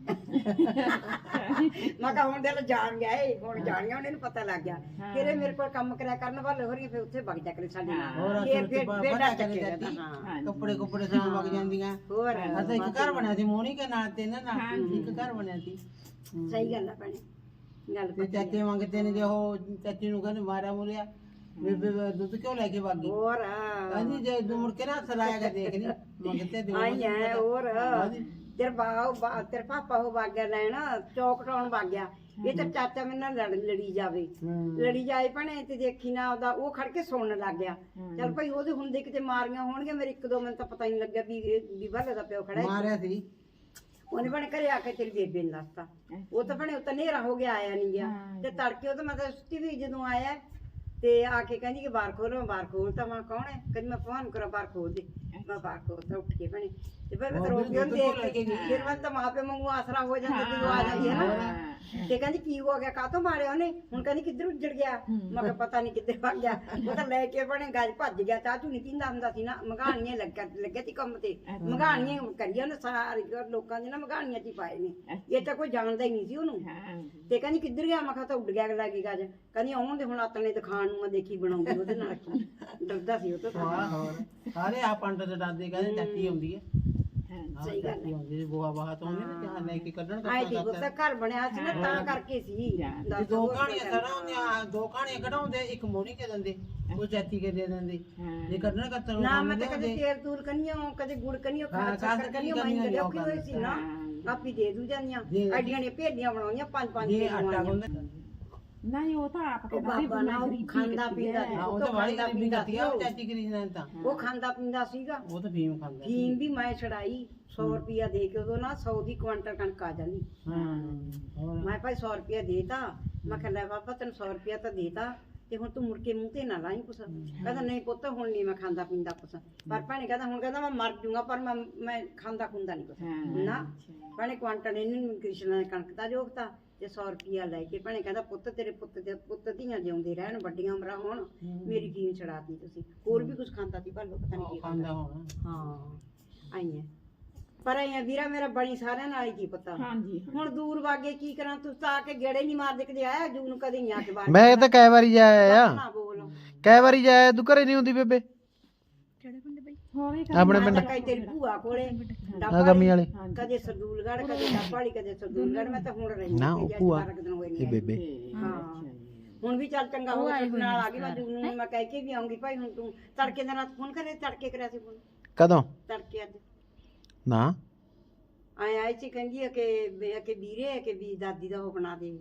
ਮੈਂ ਕਿਹਾ ਹੁਣ ਦੇ ਜਾਣ ਗਿਆ ਏ ਹੁਣ ਜਾਣ ਗਿਆ ਉਹਨੂੰ ਪਤਾ ਲੱਗ ਗਿਆ ਫਿਰ ਇਹ ਮੇਰੇ ਕੋਲ ਕੰਮ ਕਰਿਆ ਕਰਨ ਵਾਲੇ ਹੋ ਰਹੀ ਫਿਰ ਉੱਥੇ ਵਗ ਜਾ ਕਰੇ ਸਾਡੇ ਹੋਰ ਨਾਲ ਫਿਰ ਫਿਰ ਫਿਰ ਡਰ ਚੱਕੇ ਜਾਂਦੀ ਹਾਂ ਕੱਪੜੇ ਕੁੱਪੜੇ ਸਾਂ ਵਗ ਜਾਂਦੀਆਂ ਹੋਰ ਅਸਾਂ ਇੱਕ ਘਰ ਬਣਿਆ ਸੀ ਮੋਹਣੀ ਕੇ ਨਾਲ ਤੇ ਨਾ ਨਾਲ ਇੱਕ ਘਰ ਬਣਿਆ ਸੀ ਸਹੀ ਗੱਲ ਆ ਭੈਣੇ ਗੱਲ ਤੇ ਚਾਚੇ ਮੰਗਤੇ ਨੇ ਜੇ ਉਹ ਚਾਚੀ ਨੂੰ ਕਹਿੰਦੇ ਮਾਰਿਆ ਮੁਰਿਆ ਬੇਬੇ ਦੁੱਧ ਕਿਉਂ ਲੈ ਕੇ ਵਗ ਗਈ ਹੋਰ ਕਹਿੰਦੀ ਜੇ ਤੂੰ ਮੁੜ ਕੇ ਨਾ ਸਰਾਇਆ ਕੇ ਦੇਖ ਲਈ ਮੰਗਤੇ ਦੇ ਆਈ ਹੈ ਹੋਰ ਤੇਰੇ ਬਾਉ ਤੇਰੇ ਪਾਪਾ ਉਹ ਵਗ ਗਿਆ ਲੈਣ ਚੌਕ ਟਾਉਣ ਵਗ ਗਿਆ ਇਹ ਤਾਂ ਚਾਚਾ ਮੇਰੇ ਨਾਲ ਲੜ ਲੜੀ ਜਾਵੇ ਲੜੀ ਜਾਏ ਭਣੇ ਤੇ ਦੇਖੀ ਨਾ ਉਹਦਾ ਉਹ ਖੜ ਕੇ ਸੁਣਨ ਲੱਗ ਗਿਆ ਚੱਲ ਭਾਈ ਉਹਦੇ ਹੁੰਦੇ ਕਿਤੇ ਮਾਰੀਆਂ ਹੋਣਗੀਆਂ ਮੇਰੇ ਇੱਕ ਦੋ ਮਿੰਟ ਤਾਂ ਪਤਾ ਹੀ ਨਹੀਂ ਲੱਗਿਆ ਵੀ ਇਹ ਵੀ ਭਲੇ ਦਾ ਪਿਓ ਖੜਾ ਹੈ ਮਾਰਿਆ ਸੀ ਉਹਨੇ ਬਣੇ ਘਰੇ ਆ ਕੇ ਤੇਰੀ ਬੇਬੇ ਨੂੰ ਦੱਸਤਾ ਉਹ ਤਾਂ ਭਣੇ ਉਹ ਤਾਂ ਹਨੇਰਾ ਹੋ ਗਿਆ ਆਇਆ ਨਹੀਂ ਗਿਆ ਤੇ ਤੜਕੇ ਉਹ ਤਾਂ ਮੈਂ ਤਾਂ ਸੁੱਤੀ ਵੀ ਜਦੋਂ ਆਇਆ ਤੇ ਆ ਕੇ ਕਹਿੰਦੀ ਕਿ ਬਾਹਰ ਖੋਲੋ ਮੈਂ ਬਾਹਰ ਖੋਲਤਾ ਮੈਂ ਕੌਣ ਹੈ ਕਹਿੰਦੀ ਮੈਂ ਭਗਵਾਨ ਕਰਾਂ ਬਾਹਰ ਖੋਲ ਦੇ ਮੈਂ ਬਾਹਰ ਖੋਲਤਾ ਉੱਠ ਕੇ ਭਣੇ ਤੇ ਫਿਰ ਮੈਂ ਰੋਟੀ ਉਹਨੂੰ ਦੇਖ ਕੇ ਫਿਰ ਮੈਂ ਤਾਂ ਮਾਪੇ ਵਾਂਗੂ ਆਸਰਾ ਹੋ ਜਾਂਦਾ ਜਦੋਂ ਆ ਜਾਂਦੀ ਹੈ ਨਾ ਤੇ ਕਹਿੰਦੀ ਕੀ ਹੋ ਗਿਆ ਕਾਹਤੋਂ ਮਾਰਿਆ ਉਹਨੇ ਹੁਣ ਕਹਿੰਦੀ ਕਿੱਧਰ ਉੱਜੜ ਗਿਆ ਮੈਂ ਕਿਹਾ ਪਤਾ ਨਹੀਂ ਕਿੱਧਰ ਭੱਜ ਗਿਆ ਉਹ ਤਾਂ ਲੈ ਕੇ ਭਣੇ ਗੱਜ ਭੱਜ ਗਿਆ ਚਾਹ ਚੂ ਨਹੀਂ ਪੀਂਦਾ ਹੁੰਦਾ ਸੀ ਨਾ ਮਗਾਣੀਆਂ ਲੱਗਾ ਲੱਗੇ ਸੀ ਕੰਮ ਤੇ ਮਗਾਣੀਆਂ ਕਰੀਆਂ ਉਹਨੇ ਸਾਰੇ ਲੋਕਾਂ ਦੇ ਨਾ ਮਗਾਣੀਆਂ ਚ ਹੀ ਪਾਏ ਨੇ ਇਹ ਤਾਂ ਕੋਈ ਜਾਣਦਾ ਹੀ ਨਹੀਂ ਸੀ ਉਹਨੂੰ ਤੇ ਕਹਿੰਦੀ ਕਿੱਧਰ ਗਿਆ ਮੈਂ ਕਿਹਾ ਤਾਂ ਉੱਡ ਗਿਆ ਲੱਗੀ ਗੱਜ ਕਹਿੰਦੀ ਆਉਣ ਦੇ ਹੁਣ ਆਤਣੇ ਦਿਖਾਣ ਨੂੰ ਮੈਂ ਦੇਖੀ ਬਣਾਉਂਦੀ ਉਹਦੇ ਨਾਲ ਕੀ ਡਰਦਾ ਸੀ ਉਹ ਤੋਂ ਹਾਂ ਹੋਰ ਸਾਰੇ ਆ ਪੰਡਤ ਡਰਦੇ ਕਹਿੰਦੇ ਚਾਚੀ ਆਉਂਦੀ ਹੈ ਸਹੀ ਗੱਲ ਹੈ ਆਉਂਦੀ ਬੋਹਾ ਬਾਹਾ ਤੋਂ ਉਹਨੇ ਨਾ ਜਹਾਂ ਲੈ ਕੇ ਕੱਢਣ ਆਏ ਠੀਕ ਉਹਦਾ ਘਰ ਬਣਿਆ ਸੀ ਨਾ ਤਾਂ ਕਰਕੇ ਸੀ ਤੇ ਦੋ ਕਹਾਣੀਆਂ ਸੜਾ ਹੁੰਦੀਆਂ ਦੋ ਕਹਾਣੀਆਂ ਕਢਾਉਂਦੇ ਇੱਕ ਮੋਣੀ ਕੇ ਦਿੰਦੇ ਉਹ ਚਾਚੀ ਕੇ ਦੇ ਦਿੰਦੇ ਜੇ ਕੱਢਣ ਕੱਤਰ ਨਾ ਮੈਂ ਤਾਂ ਕਦੇ ਤੇਲ ਤੂਲ ਕੰਨੀਓ ਕਦੇ ਗੁੜ ਕੰਨੀਓ ਖਾ ਚੱਕਰ ਕੰਨੀਓ ਮੈਂ ਕਦੇ ਔਖੀ ਹੋਈ ਸੀ ਨਾ ਆਪੀ ਦੇ ਦੂ ਜਾਂਦੀਆਂ ਐਡੀਆਂ ਨੇ ਭੇਡੀਆਂ ਬਣਾਉਣੀਆਂ ਪੰਜ ਪੰਜ ਜੇ ਦੇ ਆਟਾ ਗੁੰਨਦੇ ਨਹੀਂ ਉਹ ਤਾਂ ਆਪ ਉਹ ਬਾਬਾ ਨਾ ਉਹ ਖਾਂਦਾ ਪੀਂਦਾ ਸੀ ਹਾਂ ਉਹ ਤਾਂ ਵਾਲੀ ਗਰੀਬੀ ਕਰਦੀ ਆ ਉਹ ਚਾਚੀ ਕਰੀ ਨੇ ਤਾਂ ਉਹ ਖਾਂਦਾ ਪੀਂਦਾ ਸੀਗਾ ਉਹ ਤਾਂ ਫੀਮ ਖਾਂਦਾ ਸੀ। ਫੀਮ ਵੀ ਮੈਂ ਛੜਾਈ ਸੌ ਰੁਪਿਆ ਦੇ ਕੇ ਉਦੋਂ ਨਾ ਸੌ ਦੀ ਕੁਆਂਟਲ ਕਣਕ ਆ ਜਾਂਦੀ ਹਾਂ ਹੋਰ ਮੈਂ ਭਾਈ ਸੌ ਰੁਪਿਆ ਦੇਤਾ ਮੈਂ ਕਿਹਾ ਲੈ ਬਾਬਾ ਤੈਨੂੰ ਸੌ ਰੁਪਿਆ ਤਾਂ ਦੇਤਾ ਤੇ ਹੁਣ ਤੂੰ ਮੁੜ ਕੇ ਮੂੰਹ ਤੇ ਨਾ ਲਾਈ ਕੁਛ ਕਹਿੰਦਾ ਨਹੀਂ ਪੁੱਤ ਹੁਣ ਨਹੀਂ ਮੈਂ ਖਾਂਦਾ ਪੀਂਦਾ ਕੁਛ ਪਰ ਭੈਣੇ ਕਹਿੰਦਾ ਹੁਣ ਕਹਿੰਦਾ ਮੈਂ ਮਰ ਜੂਗਾ ਪਰ ਮੈਂ ਮੈਂ ਖਾਂਦਾ ਖੁੰਦਾ ਨਹੀਂ ਕੁਛ ਨਾ ਭੈਣੇ ਕੁਆਂਟਲ ਇਹਨੂੰ ਕ੍ਰਿਸ਼ਨ ਨੇ ਕਣਕ ਦਾ ਜੋਗਤਾ ਤੇ ਸੌ ਰੁਪਿਆ ਲੈ ਕੇ ਭੈਣੇ ਕਹਿੰਦਾ ਪੁੱਤ ਤੇਰੇ ਪੁੱਤ ਦੇ ਪੁੱਤ ਧੀਆਂ ਜਿਉਂਦੇ ਰਹਿਣ ਵੱਡੀਆਂ ਉਮਰਾਂ ਹੋਣ ਮੇਰੀ ਫੀਮ ਛੜਾਤੀ ਤੁਸੀਂ ਹੋਰ ਵੀ ਕੁਛ ਖਾਂਦਾ ਸੀ ਭਾਲੋ ਪਤਾ ਨਹੀਂ ਕੀ ਖਾਂਦਾ ਹੋਣਾ ਹਾਂ ਆਈਆਂ ਪਰ ਆਈਆਂ ਵੀਰਾ ਮੇਰਾ ਬੜੀ ਸਾਰਿਆਂ ਨਾਲ ਹੀ ਕੀ ਪਤਾ ਹਾਂਜੀ ਹੁਣ ਦੂਰ ਵਾਗੇ ਕੀ ਕਰਾਂ ਤੂੰ ਤਾਂ ਆ ਕੇ ਗੇੜੇ ਨਹੀਂ ਮਾਰਦੇ ਕਦੇ ਆਇਆ ਜੂ ਨੂੰ ਕਦੇ ਨਹੀਂ ਆ ਕੇ ਬਾਹਰ ਮੈਂ ਤਾਂ ਕਈ ਵਾਰੀ ਜਾਇਆ ਆ ਨਾ ਬੋਲ ਕਈ ਵਾਰੀ ਜਾਇਆ ਤੂੰ ਘਰੇ ਨਹੀਂ ਹੁੰਦੀ ਬੇਬੇ ਹੋਰ ਇਹ ਆਪਣੇ ਮੈਂ ਪਿੰਡ ਤਾਂ ਕਈ ਤੇਰੀ ਭੂਆ ਕੋਲੇ ਆ ਗਮੀ ਵਾਲੇ ਕਦੇ ਸਰਦੂਲਗੜ੍ਹ ਕਦੇ ਡੱਬਾਲੀ ਕਦੇ ਸਰਦੂਲਗੜ੍ਹ ਮੈਂ ਤਾਂ ਹੁਣ ਰਹਿੰਦੀ ਨਾ ਉਹ ਭੂਆ ਦਿਨ ਹੋਏ ਇਹ ਨੇ ਬੇਬੇ ਹਾਂ ਹੁਣ ਵੀ ਚੱਲ ਚੰਗਾ ਹੋ ਗਿਆ ਨਾਲ ਆ ਗਈ ਮੈਂ ਜੂ ਨੂੰ ਮੈਂ ਕਹਿ ਕੇ ਵੀ ਆਉਂਗੀ ਭਾਈ ਹੁਣ ਤੂੰ ਤੜਕੇ ਦਾ ਰਾਤ ਫੋਨ ਕਰੇ ਤੜਕੇ ਕਰਿਆ ਸੀ ਫੋਨ ਕਦੋਂ ਤੜਕੇ ਅੱਜ ਨਾ ਆਏ ਆਏ ਸੀ ਕਹਿੰਦੀ ਆ ਕਿ ਵੀ- ਕਿ ਵੀਰੇ ਆ ਕਿ ਵੀ ਦਾਦੀ ਦਾ ਉਹ ਬਣਾ ਦੇ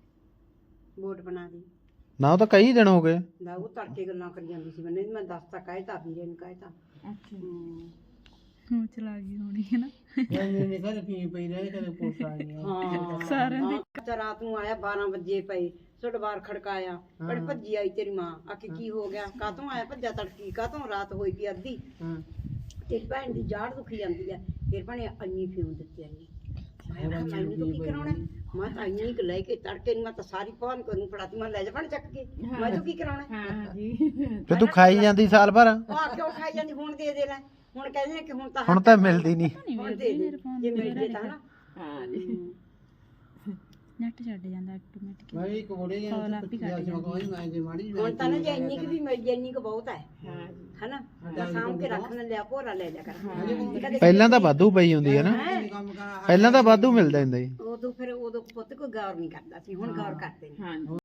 ਵੋਟ ਬਣਾ ਦੇ ਨਾ ਉਹ ਤਾਂ ਕਈ ਦਿਨ ਹੋ ਗਏ ਦਾ ਉਹ ਤੜਕੇ ਗੱਲਾਂ ਕਰੀ ਜਾਂਦੀ ਸੀ ਮੈਨੂੰ ਮੈਂ ਦੱਸਤਾ ਕਹਿਤਾ ਵੀਰੇ ਨੂੰ ਕਹਿਤਾ ਅੱਛਾ ਹੁਣ ਚਲਾ ਗਈ ਹੋਣੀ ਹੈ ਨਾ ਮੈਂ ਮੇਰੇ ਘਰ ਪੀ ਪਈ ਰਹੇ ਕਦੇ ਪੁਲਿਸ ਆ ਗਈ ਹਾਂ ਸਾਰਿਆਂ ਦੀ ਤੇ ਰਾਤ ਨੂੰ ਆਇਆ ਬਾਰਾਂ ਵਜੇ ਪਈ ਤੁਹਾਡਾ ਬਾਰ ਖੜਕਾਇਆ ਬੜ ਭੱਜੀ ਆਈ ਤੇਰੀ ਮਾਂ ਆਖੀ ਕੀ ਹੋ ਗਿਆ ਕਾਹਤੋਂ ਆਇਆ ਭੱਜਾ ਤੜਕੀ ਕਾਹਤੋਂ ਰਾਤ ਹੋਈ ਪਈ ਅੱਧੀ ਹਾਂ ਤੇਰੀ ਭੈਣ ਦੀ ਜਾੜ ਦੁਖੀ ਜਾਂਦੀ ਹੈ ਫਿਰ ਭਣੇ ਅੰਨੀ ਫਿਉਂ ਦਿੱਤੀ ਅੰਨੀ ਮੈਂ ਕਿਹਾ ਮੈਨੂੰ ਤਾਂ ਕੀ ਕਰਾਉਣਾ ਹੈ? ਮੈਂ ਤਾਂ ਅੰਨੀ ਕੁ ਲੈ ਕੇ ਤੜਕੇ ਨੂੰ ਮੈਂ ਤਾਂ ਸਾਰੀ ਪਾਨ ਕਰੂੰ ਫੜਾਤੀ ਮੈਂ ਲੈ ਜਾ ਭਣ ਚੱਕ ਕੇ ਮੈਂ ਤਾਂ ਕੀ ਕਰਾਉਣਾ ਹੈ? ਹਾਂ ਜੀ ਤੇ ਤੂੰ ਖਾਈ ਜਾਂਦੀ ਸਾਲ ਭਰ ਉਹ ਆ ਕਿਉਂ ਖਾਈ ਜਾਂਦੀ ਹੁਣ ਦੇ ਦੇ ਲੈ ਹੁਣ ਕਹਿੰਦੇ ਨੇ ਕਿ ਹੁਣ ਤਾਂ ਹੁਣ ਤਾਂ ਮਿਲਦੀ ਨਹੀਂ ਹੁਣ ਦੇ ਦੇ ਜੇ ਮਿਲ ਜੇ ਤਾਂ ਨਾ ਹਾਂ ਜੀ ਨੈਟ ਛੱਡ ਜਾਂਦਾ ਆਟੋਮੈਟਿਕ ਮੈਂ ਇੱਕ ਬੋੜੇ ਜਾਂ ਕਾਲ ਆਪ ਹੀ ਕੱਟ ਮੈਂ ਕੋਈ ਮੈਂ ਜੇ ਮਾੜੀ ਹੁਣ ਤਾਂ ਨਾ ਜੇ ਇੰਨੀ ਕੁ ਵੀ ਮਿਲ ਜੇ ਇੰਨੀ ਕੁ ਬਹੁਤ ਹੈ ਹਾਂ ਜੀ ਹਨਾ ਤਾਂ ਸਾਂਭ ਕੇ ਰੱਖਣ ਲਿਆ ਭੋਰਾ ਲੈ ਲਿਆ ਕਰ ਕਦੇ ਪਹਿਲਾਂ ਤਾਂ ਵਾਧੂ ਪਈ ਹੁੰਦੀ ਹੈ ਨਾ ਕੰਮ ਕਰਾਂ ਪਹਿਲਾਂ ਤਾਂ ਵਾਧੂ ਮਿਲਦਾ ਹੁੰਦਾ ਜੀ ਉਦੋਂ ਫਿਰ ਉਦੋਂ ਪੁੱਤ ਕੋਈ ਗੌਰ ਨਹੀਂ ਕਰਦਾ ਸੀ ਹੁਣ ਗੌਰ ਕਰਦੇ ਨੇ ਹਾਂ ਜੀ